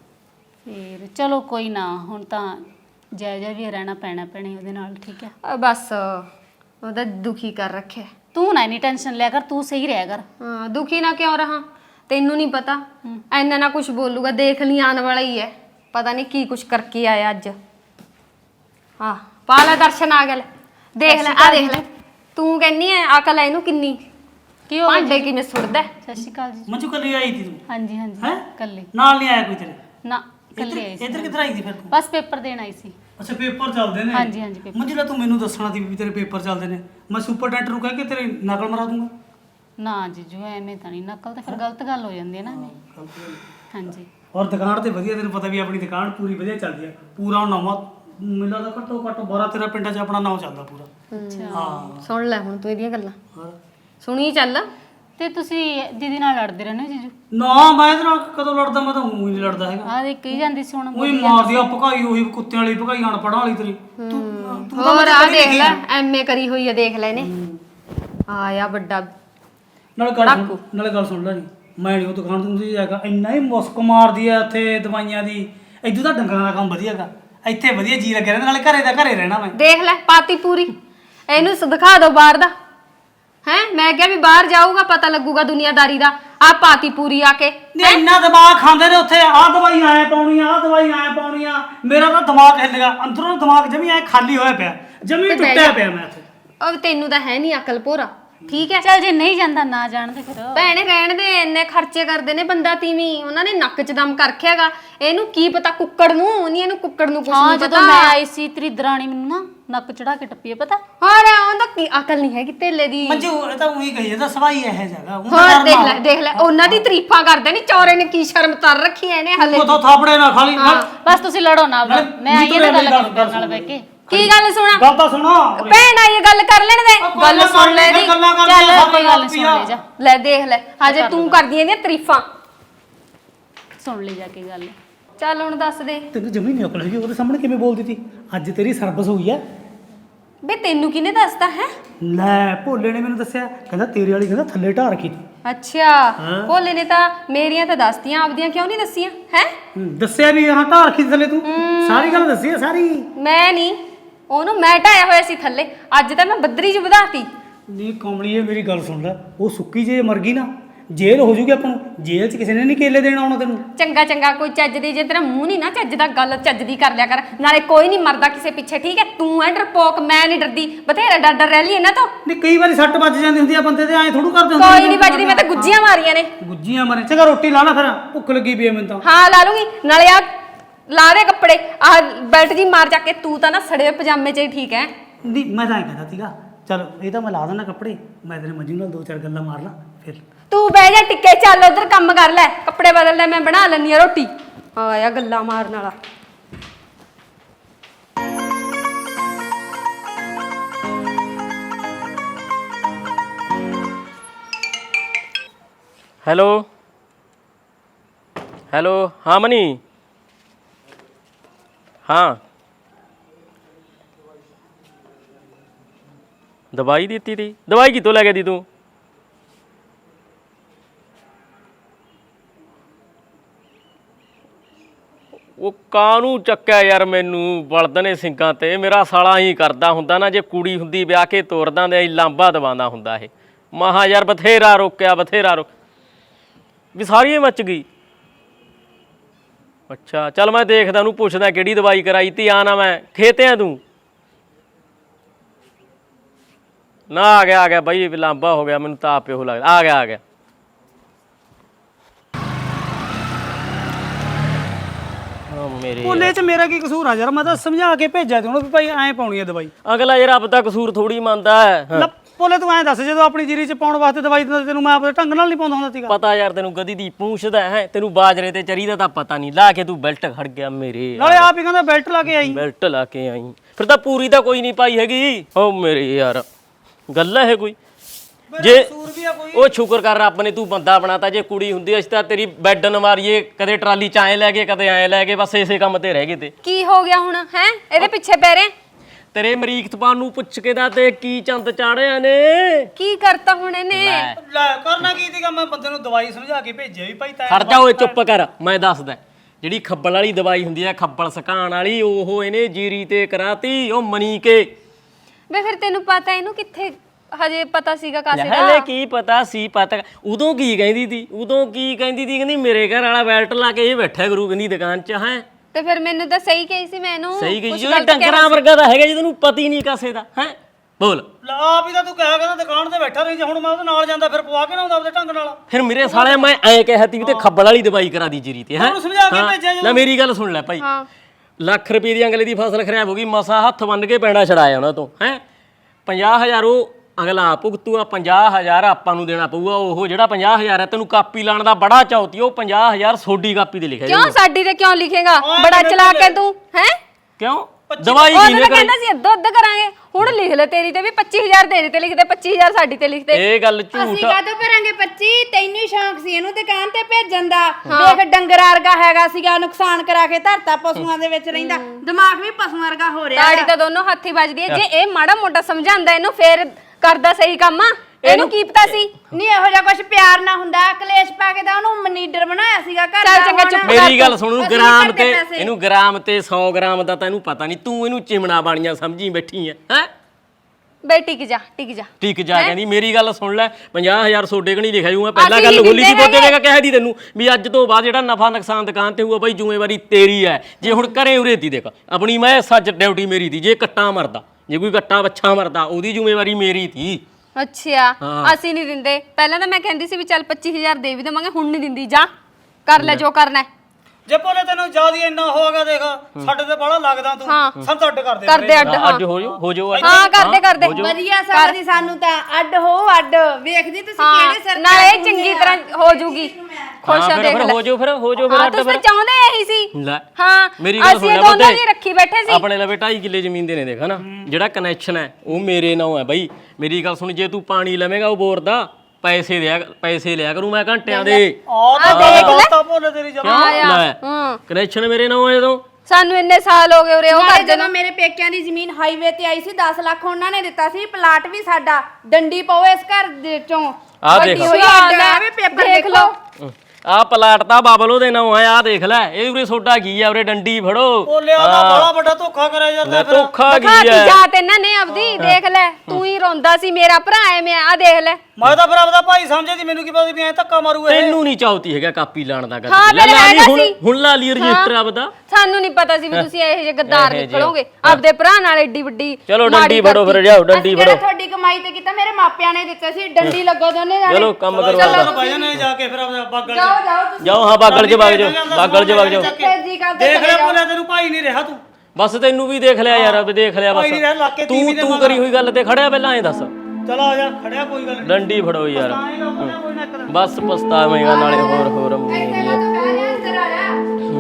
Speaker 5: ਫੇਰ ਚਲੋ ਕੋਈ ਨਾ, ਹੁਣ ਤਾਂ ਜਾਇਜਾ ਵੀ ਰਹਿਣਾ ਪੈਣਾ ਪੈਣੇ ਉਹਦੇ ਨਾਲ, ਠੀਕ ਹੈ?
Speaker 1: ਅਹ ਬਸ ਉਹਦਾ ਦੁਖੀ ਕਰ ਰੱਖਿਆ।
Speaker 5: ਤੂੰ ਨਾ ਇੰਨੀ ਟੈਨਸ਼ਨ ਲਿਆ ਕਰ, ਤੂੰ ਸਹੀ ਰਹਿ ਕਰ।
Speaker 1: ਹਾਂ ਦੁਖੀ ਨਾ ਕਿਉਂ ਰਹਾ, ਤੈਨੂੰ ਨਹੀਂ ਪਤਾ। ਐਨਾ ਨਾ ਕੁਝ ਬੋਲੂਗਾ, ਦੇਖ ਲਈ ਆਉਣ ਵਾਲਾ ਹੀ ਹੈ। ਪਤਾ ਨਹੀਂ ਕੀ ਕੁਝ ਕਰਕੇ ਆਇਆ ਅੱਜ। ਹਾਂ ਪਾ ਲੈ ਦਰਸ਼ਨ ਆ ਗਏ, ਦੇਖ ਲੈ ਆ ਦੇਖ ਲੈ। ਤੂੰ ਕਹਿੰਨੀ ਐ ਅਕਲ ਐ ਇਹਨੂੰ ਕਿੰਨੀ,
Speaker 5: ਕੀ ਹੋ
Speaker 1: ਭਾਂਡੇ ਕਿਵੇਂ ਸੁੱਟਦਾ।
Speaker 5: ਸਤਿ ਸ਼੍ਰੀ ਅਕਾਲ ਜੀ।
Speaker 4: ਮੰਜੂ ਕੱਲੀ ਆਈ ਤੀ ਤੂੰ?
Speaker 5: ਹਾਂਜੀ ਹਾਂਜੀ
Speaker 4: ਹੈਂ?
Speaker 5: ਕੱਲੀ।
Speaker 4: ਨਾਲ ਨਹੀਂ ਆਇਆ ਕੋਈ ਤੇਰੇ?
Speaker 5: ਨਾ ਕੱਲੀ ਆਈ ਸੀ।
Speaker 4: ਇੱਧਰ ਕਿੱਧਰ ਆਈ ਸੀ ਫਿਰ ਤੂੰ?
Speaker 5: ਬਸ ਪੇਪਰ ਦੇਣ ਆਈ ਸੀ।
Speaker 4: ਅੱਛਾ ਪੇਪਰ ਚੱਲਦੇ ਨੇ?
Speaker 5: ਹਾਂਜੀ ਹਾਂਜੀ ਪੇਪਰ।
Speaker 4: ਮੰਜੂ ਤੂੰ ਮੈਨੂੰ ਦੱਸਣਾ ਸੀ ਵੀ ਤੇਰੇ ਪੇਪਰ ਚੱਲਦੇ ਨੇ। ਮੈਂ ਸੁਪਰਡੈਂਟ ਨੂੰ ਕਹਿ ਕੇ ਤੇਰੀ ਨਕਲ ਮਰਾ ਦੂੰਗਾ।
Speaker 5: ਨਾ ਜੀਜੂ ਐਵੇਂ ਤਾਂ ਨਹੀਂ, ਨਕਲ ਤਾਂ ਫਿਰ ਗਲਤ ਗੱਲ ਹੋ ਜਾਂਦੀ ਹੈ ਨਾ ਐਵੇਂ। ਹਾਂਜੀ।
Speaker 4: ਔਰ ਦੁਕਾਨ ਤੇ ਵਧੀਆ, ਤੈਨੂੰ ਪਤਾ ਵੀ ਆਪਣੀ ਦੁਕਾਨ ਪੂਰੀ ਵਧੀਆ ਚੱਲਦੀ ਆ। ਪੂਰਾ ਨਵਾਂ ਮਿਲਾ ਦਾ ਘੱਟੋ ਘੱਟ ਬਾਰਾਂ ਤੇਰਾਂ ਪਿੰਡਾਂ 'ਚ ਆਪਣਾ ਨਾਮ ਚੱਲਦਾ ਪੂਰਾ।
Speaker 5: ਅੱਛਾ
Speaker 4: ਹਾਂ
Speaker 1: ਸੁਣ ਲੈ ਹੁਣ ਤੂੰ ਇਹਦੀਆਂ ਗੱਲਾਂ,
Speaker 4: ਹੋਰ
Speaker 1: ਸੁਣੀ ਚੱਲ।
Speaker 5: ਤੇ ਤੁਸੀਂ ਦੀਦੀ ਨਾਲ ਲੜਦੇ ਰਹਿੰਦੇ ਹੋ ਜੀਜੂ?
Speaker 4: ਨਾ ਮੈਂ ਇਹਦੇ ਨਾਲ ਕਦੋਂ ਲੜਦਾ, ਮੈਂ ਤਾਂ ਊਂ ਹੀ ਨਹੀਂ ਲੜਦਾ ਹੈਗਾ।
Speaker 5: ਆਹ ਦੇਖ ਕਹੀ ਜਾਂਦੀ ਸੀ ਹੁਣ
Speaker 4: ਉਹੀ ਮਾਰਦੀ ਆ ਭਕਾਈ, ਉਹੀ ਕੁੱਤਿਆਂ ਵਾਲੀ ਭਕਾਈ, ਅਨਪੜ੍ਹਾਂ ਵਾਲੀ ਤੇਰੀ। ਤੂੰ ਤੂੰ ਤਾਂ
Speaker 1: ਹੋਰ
Speaker 4: ਮੈਨੂੰ
Speaker 1: ਆ
Speaker 4: ਕਦੀ
Speaker 1: ਦੇਖ
Speaker 4: ਦੇਖੀ
Speaker 1: ਲੈ
Speaker 4: ਨਹੀਂ।
Speaker 1: ਐਮਏ ਕਰੀ ਹੋਈ ਆ, ਦੇਖ ਲੈ ਇਹਨੇ। ਆਇਆ ਵੱਡਾ
Speaker 4: ਨਾਲੇ ਗੱਲ ਸੁਣ ਨਾਲੇ ਗੱਲ ਸੁਣ ਲੈ ਜੀ, ਮੈਂ ਨਹੀਂ ਉਹ ਦੁਕਾਨ ਤੋਂ ਤੁਸੀਂ ਜਾਗਾ ਇੰਨਾ ਹੀ ਮੁਸਕ ਮਾਰਦੀ ਆ ਉੱਥੇ ਦਵਾਈਆਂ ਦੀ। ਇਦੋਂ ਤਾਂ ਡੰਗਰਾਂ ਦਾ ਕੰਮ ਵਧੀਆਗਾ, ਇੱਥੇ ਵਧੀਆ ਜੀ ਲੱਗਿਆ ਰਹਿੰਦਾ, ਨਾਲੇ ਘਰੇ ਦਾ ਘਰੇ ਰਹਿਣਾ ਮੈਂ।
Speaker 1: ਦੇਖ ਲੈ ਪਾਤੀ ਪੂਰੀ, ਇਹਨੂੰ ਸ- ਦਿਖਾ ਦਿਓ ਬਾਹਰ ਦਾ ਹੈ। ਮੈਂ ਕਿਹਾ ਵੀ ਬਾਹਰ ਜਾਊਗਾ ਪਤਾ ਲੱਗੂਗਾ ਦੁਨੀਆਦਾਰੀ ਦਾ। ਆ ਪਾਤੀ ਪੂਰੀ ਆ ਕੇ
Speaker 4: ਨਹੀਂ ਇੰਨਾ ਦਿਮਾਗ ਖਾਂਦੇ ਨੇ ਉੱਥੇ, ਆਹ ਦਵਾਈ ਐ ਪਾਉਣੀ ਆ, ਆਹ ਦਵਾਈ ਐ ਪਾਉਣੀ ਆ। ਮੇਰਾ ਤਾਂ ਦਿਮਾਗ ਹਿੱਲ ਗਿਆ ਅੰਦਰੋਂ, ਦਿਮਾਗ ਜਮੀ ਐ ਖਾਲੀ ਹੋਇਆ ਪਿਆ, ਜਮੀ
Speaker 1: ਤੇ ਬਹਿ
Speaker 4: ਟੁੱਟਿਆ
Speaker 1: ਜਾ।
Speaker 4: ਪਿਆ ਮੈਂ ਇੱਥੇ।
Speaker 1: ਉਹ ਤੈਨੂੰ ਤਾਂ ਹੈ ਨਹੀਂ ਅਕਲ ਭੋਰਾ, ਠੀਕ ਹੈ।
Speaker 5: ਚੱਲ ਜੇ ਨਹੀਂ ਜਾਂਦਾ ਨਾ ਜਾਣ ਦੇ ਫਿਰ।
Speaker 1: ਭੈਣੇ ਰਹਿਣ ਦੇ, ਇੰਨੇ ਖਰਚੇ ਕਰਦੇ ਨੇ ਬੰਦਾ ਤੀਵੀਂ, ਉਹਨਾਂ ਨੇ ਨੱਕ 'ਚ ਦਮ ਕਰ ਰੱਖਿਆਗਾ। ਇਹਨੂੰ ਕੀ ਪਤਾ ਕੁੱਕੜ ਨੂੰ, ਨਹੀਂ ਇਹਨੂੰ ਕੁੱਕੜ ਨੂੰ ਕੁਛ
Speaker 5: ਹਾਂ
Speaker 1: ਨਹੀਂ
Speaker 5: ਜਦੋਂ
Speaker 1: ਪਤਾ।
Speaker 5: ਮੈਂ ਆਈ ਸੀ ਤੇਰੀ ਦਰਾਣੀ ਮੈਨੂੰ ਨਾ ਨੱਕ ਚੜਾ ਕੇ ਟੱਪੀ ਹੈ ਪਤਾ।
Speaker 1: ਹੋਰ ਉਹਦਾ ਕੀ ਅਕਲ ਨਹੀਂ ਹੈਗੀ ਤੇਲੇ ਦੀ।
Speaker 4: ਮੰਜੂ ਇਹ ਤਾਂ ਉਹੀ ਕਹੀ ਜਾਂਦਾ, ਸਵਾਈ ਇਹ ਜਗ੍ਹਾ
Speaker 1: ਹੋਰ ਦੇਖ ਲੈ ਦੇਖ ਲੈ, ਉਹਨਾਂ ਦੀ ਤਾਰੀਫਾਂ ਕਰਦੇ ਨਹੀਂ, ਚੌਰੇ ਨੇ ਕੀ ਸ਼ਰਮ ਤਰ ਰੱਖੀ ਐ ਇਹਨੇ ਹਲੇ।
Speaker 4: ਉਥੋਂ ਥਾਪੜੇ ਨਾ ਖਾਲੀ।
Speaker 5: ਬਸ ਤੁਸੀਂ ਲੜੋ ਨਾ ਆਪਦਾ,
Speaker 4: ਨਾਲੇ
Speaker 5: ਮੈਂ ਆਈ ਹਾਂ ਨਾ ਗੱਲ
Speaker 4: ਗੱਲ-
Speaker 5: ਕਰਨ ਨਾਲ ਬਹਿ ਕੇ।
Speaker 1: ਕੀ ਗੱਲ ਸੁਣਾ
Speaker 4: ਗੱਲ ਤਾਂ ਸੁਣੋ।
Speaker 1: ਭੈਣ ਆਈ ਹੈ, ਗੱਲ ਕਰ ਲੈਣ ਦੇ।
Speaker 4: ਕੋਈ
Speaker 1: ਗੱਲ
Speaker 4: ਨਾ
Speaker 1: ਸੁਣ ਲੈ
Speaker 4: ਕਰ
Speaker 1: ਇਹਦੀ।
Speaker 4: ਗੱਲਾਂ ਕਰ
Speaker 5: ਚੱਲ
Speaker 4: ਲਈਆਂ,
Speaker 5: ਕੋਈ ਗੱਲ ਨੀ, ਸੁਣ ਲੈ ਜਾ
Speaker 1: ਲੈ ਦੇਖ ਲੈ, ਹਜੇ ਤੂੰ ਕਰਦੀ ਇਹਦੀਆਂ ਤਾਰੀਫਾਂ।
Speaker 5: ਸੁਣ ਲਈ ਜਾ ਕੇ ਗੱਲ।
Speaker 1: ਚੱਲ ਹੁਣ ਦੱਸ ਦੇ
Speaker 4: ਤੈਨੂੰ ਜਮੀ ਨਹੀਂ ਅਕਲ ਹੈਗੀ, ਉਹਦੇ ਸਾਹਮਣੇ ਕਿਵੇਂ ਬੋਲਦੀ ਸੀ? ਅੱਜ ਤੇਰੀ ਸਰਵਿਸ ਹੋਈ ਹੈ।
Speaker 1: ਬੇ ਤੈਨੂੰ ਕਿਹਨੇ ਦੱਸਦਾ ਹੈ?
Speaker 4: ਲੈ ਭੋਲੇ ਨੇ ਮੈਨੂੰ ਦੱਸਿਆ, ਕਹਿੰਦਾ ਤੇਰੇ ਵਾਲੀ ਕਹਿੰਦਾ ਥੱਲੇ ਢਾਹ ਰੱਖੀ ਤੀ।
Speaker 1: ਅੱਛਾ ਭੋਲੇ ਨੇ ਤਾਂ ਮੇਰੀਆਂ ਤਾਂ ਦੱਸਤੀਆਂ, ਆਪਦੀਆਂ ਕਿਉਂ ਨਹੀਂ ਦੱਸੀਆਂ ਹੈ?
Speaker 4: ਹੂੰ, ਦੱਸਿਆ ਵੀ ਹਾਂ ਢਾਹ ਰੱਖੀ ਤੀ ਥੱਲੇ ਤੂੰ, ਸਾਰੀ ਗੱਲ ਦੱਸੀ ਹੈ ਸਾਰੀ।
Speaker 1: ਮੈਂ ਨਹੀਂ, ਉਹਨੂੰ ਮੈਂ ਢਾਇਆ ਹੋਇਆ ਸੀ ਥੱਲੇ, ਅੱਜ ਤਾਂ ਮੈਂ ਬੱਦਰੀ 'ਚ ਵਧਾਤੀ।
Speaker 4: ਨਹੀਂ ਕਮਲੀਏ ਮੇਰੀ ਗੱਲ ਸੁਣ ਲੈ, ਉਹ ਸੁੱਕੀ ਜੇ ਮਰ ਗਈ ਨਾ, ਜੇਲ੍ਹ ਹੋ ਜੂਗੀ ਆਪਾਂ ਨੂੰ। ਜੇਲ੍ਹ 'ਚ ਕਿਸੇ ਨੇ ਨਹੀਂ ਕੇਲੇ ਦੇਣਾ ਆਉਣਾ ਤੈਨੂੰ।
Speaker 1: ਚੰਗਾ ਚੰਗਾ ਕੋਈ ਚੱਜ ਦੀ, ਜੇ ਤੇਰਾ ਮੂੰਹ ਨਹੀਂ ਨਾ ਚੱਜ ਦਾ, ਗੱਲ ਚੱਜ ਦੀ ਕਰ ਲਿਆ ਕਰ। ਨਾਲੇ ਕੋਈ ਨਹੀਂ ਮਰਦਾ ਕਿਸੇ ਪਿੱਛੇ, ਠੀਕ ਹੈ? ਤੂੰ ਐ ਡਰਪੋਕ, ਮੈਂ ਨਹੀਂ ਡਰਦੀ, ਬਥੇਰਾ ਡਰ ਡਰ ਰਹਿ ਲਈ ਇਹਨਾਂ ਤੋਂ।
Speaker 4: ਨਹੀਂ ਕਈ ਵਾਰੀ ਸੱਟ ਵੱਜ ਜਾਂਦੀ ਹੁੰਦੀ ਆ ਬੰਦੇ ਤੇ, ਐਂ ਥੋੜੂ ਕਰਦੇ ਹੁੰਦੇ
Speaker 1: ਕੋਈ
Speaker 4: ਨੇ।
Speaker 1: ਨਹੀਂ ਵੱਜਦੀ, ਮੈਂ ਤਾਂ ਗੁੱਜੀਆਂ ਮਾਰੀਆਂ ਨੇ।
Speaker 4: ਗੁੱਜੀਆਂ ਮਾਰੇ। ਚੰਗਾ ਰੋਟੀ ਲਾ ਲੈ ਫਿਰ, ਭੁੱਖ ਲੱਗੀ ਪਈ ਐ ਮੈਨੂੰ ਤਾਂ।
Speaker 1: ਹਾਂ ਲਾ ਲੂੰਗੀ, ਨਾਲੇ ਆ ਲਾ ਦੇ ਕੱਪੜੇ, ਆਹ ਬੈਲਟ ਜੀ ਮਾਰ ਜਾ ਕੇ। ਤੂੰ ਤਾਂ ਨਾ ਸੜੇ ਪਜਾਮੇ 'ਚ ਹੀ ਠੀਕ ਹੈ।
Speaker 4: ਨਹੀਂ ਮੈਂ ਤਾਂ ਐਂ ਕਹਿੰਦਾ ਸੀਗਾ, ਚਲ ਇਹ ਤਾਂ ਮੈਂ ਲਾ ਦੇਣਾ ਕੱਪੜੇ, ਮੈਂ ਤੇਰੇ ਮੰਜੂ ਨਾਲ ਦੋ ਚਾਰ ਗੱਲਾਂ ਮਾਰ ਲਾਂ ਫਿਰ।
Speaker 1: ਤੂੰ ਬਹਿ ਜਾ ਟਿੱਕੇ, ਚੱਲ ਉਧਰ ਕੰਮ ਕਰ ਲੈ, ਕੱਪੜੇ ਬਦਲ ਲੈ, ਮੈਂ ਬਣਾ ਲੈਣੀ ਆ ਰੋਟੀ। ਆਇਆ ਗੱਲਾਂ ਮਾਰਨ ਵਾਲਾ।
Speaker 3: ਹੈਲੋ ਹੈਲੋ ਹਾਂ ਮਨੀ, ਹਾਂ ਦਵਾਈ ਦਿੱਤੀ ਤੀ? ਦਵਾਈ ਕਿੱਥੋਂ ਲੈ ਕੇ ਦੀ ਤੂੰ? ਉਹ ਕਾਹਨੂੰ ਚੱਕਿਆ ਯਾਰ, ਮੈਨੂੰ ਬਲਦ ਨੇ ਸਿੰਘਾਂ ਤੇ। ਮੇਰਾ ਸਾਲਾ ਹੀ ਕਰਦਾ ਹੁੰਦਾ ਨਾ, ਜੇ ਕੁੜੀ ਹੁੰਦੀ ਵਿਆਹ ਕੇ ਤੋਰਦਾ ਦੇ ਲਾਂਬਾ ਦਵਾਉਂਦਾ ਹੁੰਦਾ ਇਹ। ਮਹਾ ਯਾਰ ਬਥੇਰਾ ਰੋਕਿਆ, ਬਥੇਰਾ ਰੋਕ ਵੀ ਸਾਰੀ ਹੀ ਮੱਚ ਗਈ। ਅੱਛਾ ਚੱਲ ਮੈਂ ਦੇਖਦਾ, ਉਹਨੂੰ ਪੁੱਛਦਾ ਕਿਹੜੀ ਦਵਾਈ ਕਰਾਈ ਤੀ। ਆ ਨਾ ਮੈਂ ਖੇਤੇ ਆ, ਤੂੰ ਨਾ ਆ ਗਿਆ ਆ ਗਿਆ ਬਾਈ, ਲਾਂਬਾ ਹੋ ਗਿਆ ਮੈਨੂੰ ਤਾਂ ਆਪੇ ਉਹ ਲੱਗਦਾ। ਆ ਗਿਆ ਆ ਗਿਆ ਮੇਰੇ
Speaker 4: ਭੋਲੇ 'ਚ ਮੇਰਾ ਕੀ ਕਸੂਰ ਆ ਯਾਰ? ਮੈਂ ਤਾਂ ਸਮਝਾ ਕੇ ਭੇਜਿਆ ਤੀ ਉਹਨੂੰ ਵੀ ਭਾਈ ਐਂ ਪਾਉਣੀ ਹੈ ਦਵਾਈ।
Speaker 3: ਅਗਲਾ ਯਾਰ ਆਪ ਦਾ ਕਸੂਰ ਥੋੜੀ ਮੰਨਦਾ ਹੈ।
Speaker 4: ਲੈ ਭੋਲੇ ਤੂੰ ਐਂ ਦੱਸ, ਜਦੋਂ ਆਪਣੀ ਜੀਰੀ 'ਚ ਪਾਉਣ ਵਾਸਤੇ ਦਵਾਈ ਦਿੰਦਾ ਤੈਨੂੰ ਮੈਂ ਆਪਣੇ ਢੰਗ ਨਾਲ ਨਹੀਂ ਪਾਉਂਦਾ ਹੁੰਦਾ ਸੀਗਾ?
Speaker 3: ਪਤਾ ਯਾਰ ਤੈਨੂੰ ਗਦੀ ਦੀ ਪੂੰਛਦਾ ਹੈ, ਤੈਨੂੰ ਬਾਜਰੇ ਤੇ ਚਰੀ ਦਾ ਤਾਂ ਪਤਾ ਨਹੀਂ। ਲਾ ਕੇ ਤੂੰ ਬੈਲਟ ਖੜ ਗਿਆ ਮੇਰੇ।
Speaker 4: ਨਾਲੇ ਆਪ ਹੀ ਕਹਿੰਦਾ ਬੈਲਟ ਲਾ ਕੇ ਆਈ।
Speaker 3: ਬੈਲਟ ਲਾ ਕੇ ਆਈ, ਫਿਰ ਤਾਂ ਪੂਰੀ ਤਾਂ ਕੋਈ ਨਹੀਂ ਪਾਈ ਹੈਗੀ। ਓ ਮੇਰੇ ਯਾਰ ਗੱਲ ਹੈ ਕੋਈ। ਜੇ
Speaker 4: ਕਸੂਰ ਵੀ ਆ ਕੋਈ?
Speaker 3: ਉਹ ਸ਼ੁਕਰ ਕਰ ਰੱਬ ਨੇ ਤੂੰ ਬੰਦਾ ਬਣਾਤਾ। ਜੇ ਕੁੜੀ ਹੁੰਦੀ ਅਸੀਂ ਤਾਂ ਤੇਰੀ ਬੈੱਡ ਨਵਾਰੀਏ, ਕਦੇ ਟਰਾਲੀ ਚ ਐਂ ਲੈ ਗਏ, ਕਦੇ ਐਂ ਲੈ ਗਏ, ਬਸ ਇਸੇ ਕੰਮ ਤੇ ਰਹਿ ਗਏ ਤੇ।
Speaker 1: ਕੀ ਹੋ ਗਿਆ ਹੁਣ ਹੈ? ਇਹਦੇ ਪਿੱਛੇ ਪੈ ਰਹੇ?
Speaker 3: ਤੇਰੇ ਮਰੀਖਤਪਾਨ ਨੂੰ ਪੁੱਛ ਕੇ ਦਾ ਤੇ ਕੀ ਚੰਦ ਚਾੜਿਆ ਨੇ।
Speaker 1: ਕੀ ਕਰਤਾ ਹੁਣ ਇਹਨੇ?
Speaker 4: ਲੈ ਕਰਨਾ ਕੀ ਸੀਗਾ? ਮੈਂ ਬੰਦੇ ਨੂੰ ਦਵਾਈ ਸਮਝਾ ਕੇ ਭੇਜਿਆ ਵੀ ਭਾਈ।
Speaker 3: ਖੜ ਜਾ ਓਏ, ਚੁੱਪ ਕਰ, ਮੈਂ ਦੱਸਦਾ। ਜਿਹੜੀ ਖੱਬਲ ਵਾਲੀ ਦਵਾਈ ਹੁੰਦੀ ਆ, ਖੱਬਲ ਸੁਕਾਉਣ ਵਾਲੀ, ਉਹ ਇਹਨੇ ਜੀਰੀ ਤੇ ਕਰਾਤੀ। ਉਹ ਮਨੀ ਕੇ
Speaker 1: ਵੇ ਫਿਰ ਤੈਨੂੰ ਪਤਾ ਇਹਨੂੰ ਕਿੱਥੇ ਹਜੇ ਪਤਾ ਸੀਗਾ ਕਾਸੇ ਦਾ?
Speaker 3: ਹਲੇ ਕੀ ਪਤਾ ਸੀ? ਪਤਾ ਉਦੋਂ ਕੀ ਕਹਿੰਦੀ ਤੀ, ਉਦੋਂ ਕੀ ਕਹਿੰਦੀ ਤੀ, ਕਹਿੰਦੀ ਮੇਰੇ ਘਰ ਵਾਲਾ ਬੈਲਟ ਲਾ ਕੇ ਇਹ ਬੈਠਾ ਗੁਰੂ ਕਹਿੰਦੀ ਦੁਕਾਨ 'ਚ। ਹੈ
Speaker 1: ਤੇ ਫਿਰ ਮੈਨੂੰ ਤਾਂ ਸਹੀ ਕਹੀ ਸੀ ਮੈਨੂੰ।
Speaker 3: ਸਹੀ ਗਈ
Speaker 1: ਕੁਛ
Speaker 3: ਜੀ,
Speaker 1: ਗਲਤ ਕਿਹਾ
Speaker 3: ਡੰਗਰਾਂ ਵਰਗਾ ਤਾਂ ਹੈਗਾ ਜੀ, ਤੈਨੂੰ ਪਤਾ ਹੀ ਨਹੀਂ ਕਾਸੇ ਦਾ। ਹੈ ਬੋਲ।
Speaker 4: ਆਪ ਹੀ ਤਾਂ ਤੂੰ ਕਹਿਆ ਕਹਿੰਦਾ ਦੁਕਾਨ ਤੇ ਬੈਠਾ ਰਹੀ, ਜੇ ਹੁਣ ਮੈਂ ਉਹਦੇ ਨਾਲ ਜਾਂਦਾ ਫਿਰ ਪਵਾ ਕੇ ਨਾ ਆਉਂਦਾ ਆਪਦੇ ਢੰਗ ਨਾਲ।
Speaker 3: ਫਿਰ ਮੇਰੇ ਸਾਲੇ ਮੈਂ ਐਂ ਕਿਹਾ ਤੀ ਵੀ ਤੇ ਖੱਬਲ ਵਾਲੀ ਦਵਾਈ ਕਰਾ ਦੀ ਜੀਰੀ ਤੇ। ਹੈ
Speaker 4: ਉਹਨੂੰ ਸਮਝਾ ਕੇ ਭੇਜਿਆ ਜਦੋਂ।
Speaker 3: ਨਾ ਮੇਰੀ ਗੱਲ ਸੁਣ ਲੈ ਭਾਈ,
Speaker 1: ਹਾਂ
Speaker 3: ਲੱਖ ਰੁਪਏ ਦੀ ਅਗਲੇ ਦੀ ਫਸਲ ਖਰਾਬ ਹੋ ਗਈ, ਮਸਾ ਹੱਥ ਬੰਨ ਕੇ ਪੈਣਾ ਛੜਾਇਆ ਉਹਨਾਂ ਤੋਂ। ਹੈ ਪੰਜਾਹ ਹਜ਼ਾਰ ਉਹ ਅਗਲਾ ਭੁਗਤੂਆ, ਪੰਜਾਹ ਹਜ਼ਾਰ ਆਪਾਂ ਨੂੰ ਦੇਣਾ ਪਊਗਾ। ਉਹ ਜਿਹੜਾ ਪੰਜਾਹ ਹਜ਼ਾਰ ਹੈ ਤੈਨੂੰ ਕਾਪੀ ਲਾਣ ਦਾ ਬੜਾ ਚੌਤੀ, ਉਹ ਪੰਜਾਹ ਹਜ਼ਾਰ ਸੋਡੀ ਕਾਪੀ ਤੇ ਲਿਖਿਆ
Speaker 1: ਕਿਉਂ? ਸਾਡੀ ਤੇ ਕਿਉਂ ਲਿਖੇਗਾ? ਬੜਾ ਚਲਾ ਕੇ ਤੂੰ ਹੈ।
Speaker 3: ਕਿਉਂ? ਦਵਾਈ
Speaker 1: ਉਹ
Speaker 3: ਕਿਹਨੇ
Speaker 1: ਤਾਂ
Speaker 3: ਕਰਾਈ
Speaker 1: ਕਹਿੰਦਾ ਸੀ ਅੱਧੋ ਅੱਧ ਕਰਾਂਗੇ ਹੁਣ ਲਿਖ ਲੈ ਤੇਰੀ ਤੇ ਵੀ ਪੱਚੀ ਹਜ਼ਾਰ ਤੇਰੇ ਤੇ ਲਿਖਦੇ ਪੱਚੀ ਹਜ਼ਾਰ ਸਾਡੀ ਤੇ ਲਿਖਦੇ
Speaker 3: ਇਹ ਗੱਲ
Speaker 2: ਅਸੀਂ
Speaker 3: ਝੂਠ
Speaker 2: ਕਾਹਤੋਂ ਭਰਾਂਗੇ ਪੱਚੀ? ਤੈਨੂੰ ਹੀ ਸ਼ੌਂਕ ਸੀ ਇਹਨੂੰ ਦੁਕਾਨ ਤੇ ਭੇਜਣ ਦਾ। ਦੇਖ ਡੰਗਰ ਵਰਗਾ ਹੈਗਾ ਸੀਗਾ, ਨੁਕਸਾਨ ਕਰਾ ਕੇ ਧਰਤਾ, ਪਸ਼ੂਆਂ ਦੇ ਵਿੱਚ ਰਹਿੰਦਾ, ਦਿਮਾਗ ਵੀ ਪਸ਼ੂਆਂ ਵਰਗਾ ਹੋ ਰਿਹਾ
Speaker 1: ਤਾੜੀ ਤਾਂ ਦੋਨੋਂ ਹੱਥੀ ਵੱਜਦੀ ਹੈ ਜੇ ਇਹ ਮਾੜਾ ਮੋਟਾ ਸਮਝਾਉਂਦਾ ਇਹਨੂੰ ਫੇਰ ਕਰਦਾ ਸਹੀ ਕੰਮ ਆ ਇਹਨੂੰ ਕੀ ਪਤਾ ਸੀ
Speaker 2: ਨਹੀਂ ਇਹੋ ਜਿਹਾ ਕੁਝ ਪਿਆਰ ਨਾ ਹੁੰਦਾ, ਕਲੇਸ਼ ਪਾ ਕੇ ਤਾਂ ਉਹਨੂੰ ਮਨੀਡਰ ਬਣਾਇਆ ਸੀਗਾ ਘਰ
Speaker 1: ਚੱਲ
Speaker 2: ਦਾ।
Speaker 1: ਚੰਗਾ
Speaker 2: ਹੁਣ
Speaker 1: ਚੁੱਪ
Speaker 3: ਮੇਰੀ ਗੱਲ ਸੁਣ
Speaker 2: ਅਸੀਂ
Speaker 3: ਗ੍ਰਾਮ
Speaker 2: ਕਰਦੇ
Speaker 3: ਤੇ
Speaker 2: ਪੈਸੇ।
Speaker 3: ਇਹਨੂੰ ਗ੍ਰਾਮ ਤੇ ਸੌ ਗ੍ਰਾਮ ਦਾ ਤੈਨੂੰ ਪਤਾ ਨਹੀਂ ਤੂੰ ਇਹਨੂੰ ਚਿਮਣਾ ਬਾਣੀਆਂ ਸਮਝੀ ਬੈਠੀ ਐ ਹੈ
Speaker 1: ਬੇ ਟਿਕ ਜਾ ਟਿਕ ਜਾ
Speaker 3: ਟਿਕ ਜਾ ਕਹਿੰਦੀ ਮੇਰੀ ਗੱਲ ਸੁਣ ਲੈ ਪੰਜਾਹ ਹਜ਼ਾਰ ਸੋਡੇ ਕਣੀ ਲਿਖਿਆ ਜੂ ਮੈਂ ਪਹਿਲਾਂ
Speaker 1: ਅਸੀਂ
Speaker 3: ਗੱਲ
Speaker 1: ਨਹੀਂ
Speaker 3: ਬੋਲੀ ਸੀ
Speaker 1: ਦਿੰਦੇ
Speaker 3: ਬੋਤੇ ਦੇਗਾ ਕਹਿ ਦੀ ਤੈਨੂੰ ਵੀ ਅੱਜ ਤੋਂ ਬਾਅਦ ਜਿਹੜਾ ਨਫਾ ਨੁਕਸਾਨ ਦੁਕਾਨ ਤੇ ਹੋਊਗਾ ਬਾਈ ਜ਼ਿੰਮੇਵਾਰੀ ਤੇਰੀ ਐ ਜੇ ਹੁਣ ਘਰੇ ਉਰੇ ਦੀ ਦੇਖ ਆਪਣੀ ਮੈਂ ਸੱਚ ਡਿਊਟੀ ਮੇਰੀ ਦੀ ਜੇ ਕੱਟਾ ਮਰਦਾ ਜੇ ਕੋਈ ਕੱਟਾ ਬੱਚਾ ਮਰਦਾ ਉਹਦੀ ਜ਼ਿੰਮੇਵਾਰੀ ਮੇਰੀ ਥੀ
Speaker 1: ਅੱਛਾ ਅਸੀਂ ਨਹੀਂ ਦਿੰਦੇ ਪਹਿਲਾਂ ਤਾਂ ਮੈਂ ਕਹਿੰਦੀ ਸੀ ਵੀ ਚੱਲ ਪੱਚੀ ਹਜ਼ਾਰ ਦੇ ਵੀ ਦੇਵਾਂਗੇ ਹੁਣ ਨਹੀਂ ਦਿੰਦੀ ਜਾ ਕਰ ਲੈ ਜੋ ਕਰਨਾ
Speaker 4: ਜੇ ਭੋਲੇ ਤੈਨੂੰ ਜਿਆਦਾ ਇੰਨਾ ਹੋਗਾ ਦੇਖ ਸਾਡੇ ਤੇ ਬੜਾ ਲੱਗਦਾ ਤੂੰ ਸਾਨੂੰ ਤਾਂ ਅੱਡ ਕਰ ਦੇ
Speaker 1: ਕਰਦੇ ਅੱਡ ਹਾਂ
Speaker 3: ਅੱਜ ਹੋ ਜੋ ਹੋ ਜੋ
Speaker 1: ਹਾਂ ਕਰਦੇ ਕਰਦੇ
Speaker 2: ਵਧੀਆ ਸਮਝਦੀ ਸਾਨੂੰ ਤਾਂ ਅੱਡ ਹੋ ਅੱਡ ਵੇਖਦੀ ਤੁਸੀਂ
Speaker 1: ਹਾਂ
Speaker 2: ਕਿਹੜੇ ਸਿਰ
Speaker 1: ਨਾਲ ਇਹ ਚੰਗੀ ਤਰ੍ਹਾਂ ਹੋ ਜੂਗੀ ਖੁਸ਼
Speaker 3: ਹਾਂ
Speaker 1: ਆ
Speaker 3: ਫਿਰ
Speaker 1: ਦੇਖ
Speaker 3: ਫਿਰ
Speaker 1: ਲੈ
Speaker 3: ਹੋ ਜੋ ਫਿਰ ਹੋ ਜੋ ਫਿਰ
Speaker 1: ਹਾਂ
Speaker 3: ਅੱਡ
Speaker 1: ਤੁਸੀਂ
Speaker 3: ਫਿਰ
Speaker 1: ਤਾਂ ਚਾਹੁੰਦੇ ਇਹੀ ਸੀ
Speaker 3: ਲੈ
Speaker 1: ਹਾਂ
Speaker 3: ਮੇਰੀ ਗੱਲ
Speaker 1: ਅਸੀਂ
Speaker 3: ਸੁਣ ਲੈ
Speaker 1: ਦੋਨੋਂ
Speaker 3: ਬੋਤੇ
Speaker 1: ਦੀ ਰੱਖੀ ਬੈਠੇ ਸੀ
Speaker 3: ਆਪਣੇ ਲਵੇ ਢਾਈ ਕਿੱਲੇ ਜ਼ਮੀਨ ਦੇ ਨੇ ਦੇਖ ਹਨਾ ਜਿਹੜਾ ਕਨੈਕਸ਼ਨ ਹੈ ਉਹ ਮੇਰੇ ਨਾਲ ਹੈ ਬਾਈ ਮੇਰੀ ਗੱਲ ਸੁਣ ਜੇ ਤੂੰ ਪਾਣੀ ਲਵੇਂਗਾ ਉਹ ਬੋਰ ਦਾ ਪੈਸੇ ਦਿਆ ਪੈਸੇ ਲਿਆ ਕਰੂੰ ਮੈਂ ਘੰਟਿਆਂ ਦੇ
Speaker 4: ਆ ਦੇਖ ਲੈ ਤਾਂ ਭੋਲੇ ਤੇਰੀ ਜਮਾ
Speaker 3: ਲੈ
Speaker 1: ਹਾਂ
Speaker 3: ਕਨੈਕਸ਼ਨ ਮੇਰੇ ਨਾਲ ਹੈ ਜਦੋਂ
Speaker 1: ਸਾਨੂੰ ਇੰਨੇ ਸਾਲ ਹੋ ਗਏ ਉਰੇ ਉਹ
Speaker 2: ਨਾਲੇ
Speaker 1: ਕਰਦੇ
Speaker 2: ਜਦੋਂ ਮੇਰੇ ਪੇਕਿਆਂ ਦੀ ਜ਼ਮੀਨ ਹਾਈਵੇ ਤੇ ਆਈ ਸੀ ਦਸ ਲੱਖ ਉਹਨਾਂ ਨੇ ਦਿੱਤਾ ਸੀ, ਪਲਾਟ ਵੀ ਸਾਡਾ, ਡੰਡੀ ਪਾਓ ਇਸ ਘਰ ਦੇ ਚੋਂ
Speaker 3: ਆ ਦੇਖ
Speaker 2: ਵੱਡੀ ਹੋਈ ਅੱਡ ਆ ਵੀ ਪੇਪਰ ਦੇਖ ਲਓ।
Speaker 3: ਆ ਪਲਾਟ ਤਾਂ ਬਾਬਲੋ ਦੇ ਨਾਂ ਆ ਆ ਦੇਖ ਲੈ ਇਹ ਉਰੇ ਸੋਡਾ ਕੀ ਆ ਉਰੇ ਡੰਡੀ ਫੜੋ
Speaker 4: ਭੋਲੇ ਆ ਤਾਂ ਬੜਾ ਵੱਡਾ ਧੋਖਾ ਕਰਿਆ ਯਾਰ
Speaker 3: ਲੈ
Speaker 4: ਫਿਰ
Speaker 3: ਧੋਖਾ ਕੀ
Speaker 1: ਦਿਖਾਤੀ
Speaker 3: ਹੈ
Speaker 1: ਜਾਤ ਇਹਨਾਂ ਨੇ ਆਪਦੀ ਦੇਖ ਲੈ ਤੂੰ ਹੀ ਰੋਂਦਾ ਸੀ ਮੇਰਾ ਭਰਾ ਐ ਮੈਂ ਆ ਦੇਖ ਲੈ
Speaker 4: ਮੈਂ ਤਾਂ ਫਿਰ ਆਪਦਾ ਭਾਈ ਸਮਝਦੀ ਮੈਨੂੰ ਕੀ ਪਤਾ ਵੀ ਐ ਧੱਕਾ ਮਾਰੂ ਇਹ
Speaker 3: ਤੈਨੂੰ ਨਹੀਂ ਚਾਹਤੀ ਹੈਗਾ ਕਾਪੀ ਲਾਣ ਦਾ ਗੱਲ
Speaker 1: ਹਾਂ,
Speaker 3: ਲੈ
Speaker 1: ਮੇਰੇ
Speaker 3: ਲਾ ਲਈ
Speaker 1: ਹੈਗਾ
Speaker 3: ਹੁਣ
Speaker 1: ਸੀ।
Speaker 3: ਹੁਣ ਲਾ ਲਈ ਰਜਿਸਟਰ ਆਪਦਾ
Speaker 1: ਸਾਨੂੰ ਨਹੀਂ ਪਤਾ ਸੀ ਵੀ ਤੁਸੀਂ ਇਹੋ ਜਿਹੇ ਗੱਦਾਰ
Speaker 3: ਇਹੋ ਜਿਹੇ।
Speaker 1: ਨਿਕਲੋਗੇ ਆਪਦੇ ਭਰਾ ਨਾਲ ਏਡੀ ਵੱਡੀ
Speaker 3: ਚਲੋ
Speaker 1: ਮਾੜੀ
Speaker 3: ਡੰਡੀ ਫੜੋ ਫਿਰ ਜਾਓ ਡੰਡੀ
Speaker 2: ਅਸੀਂ
Speaker 3: ਫੜੋ
Speaker 2: ਕਿਹੜਾ ਤੁਹਾਡੀ ਕਮਾਈ ਤੇ ਕੀਤਾ, ਮੇਰੇ ਮਾਪਿਆਂ ਨੇ ਦਿੱਤੇ ਸੀ, ਡੰਡੀ ਲੱਗੋ ਦੋਨੇ ਜਾਣੇ।
Speaker 3: ਚਲੋ ਕੰਮ ਕਰੋ
Speaker 4: ਚੱਲ
Speaker 3: ਆਪਦਾ
Speaker 4: ਭਾਈ ਜਾਨੇ ਜਾ ਕੇ ਫਿਰ ਆਪਦਾ ਬਾਗਲ
Speaker 2: ਜਾਓ ਜਾਓ ਤੁਸੀਂ
Speaker 3: ਜਾਓ ਹਾਂ ਬਾਗਲ ਚ ਵਗ ਜਾਓ ਬਾਗਲ ਚ ਵਗ ਜਾਓ
Speaker 2: ਜੀ ਕਰਦੇ
Speaker 4: ਦੇਖ ਲੈ ਭੋਲੇ ਤੈਨੂੰ ਭਾਈ ਨਹੀਂ ਰਿਹਾ ਤੂੰ
Speaker 3: ਬਸ ਤੈਨੂੰ ਵੀ ਦੇਖ ਲਿਆ ਯਾਰ ਅਬ ਦੇਖ ਲਿਆ
Speaker 4: ਭਾਈ ਨਹੀਂ ਰਿਹਾ
Speaker 3: ਬਸ
Speaker 4: ਲਾਕੇ
Speaker 3: ਤੂੰ
Speaker 4: ਟੀਵੀ ਦੇ
Speaker 3: ਤੂੰ ਕਰੀ ਹੋਈ ਗੱਲ ਤੇ ਖੜਿਆ ਪਹਿਲਾਂ ਐ ਦੱਸ
Speaker 4: ਚਲ ਆ ਜਾ ਖੜਿਆ ਕੋਈ ਗੱਲ ਨਹੀਂ
Speaker 3: ਡੰਡੀ ਫੜੋ ਯਾਰ
Speaker 4: ਆਏਗਾ ਭੋਲੇ ਕੋਈ ਨਾ ਕਰ
Speaker 3: ਬਸ ਪਛਤਾਵੇਂਗਾ ਨਾਲੇ ਹੋਰ ਹੋਰ
Speaker 2: ਇੱਥੇ ਲਾ ਤੂੰ ਬਹਿ ਜਾ, ਇੱਧਰ ਆ ਜਾ।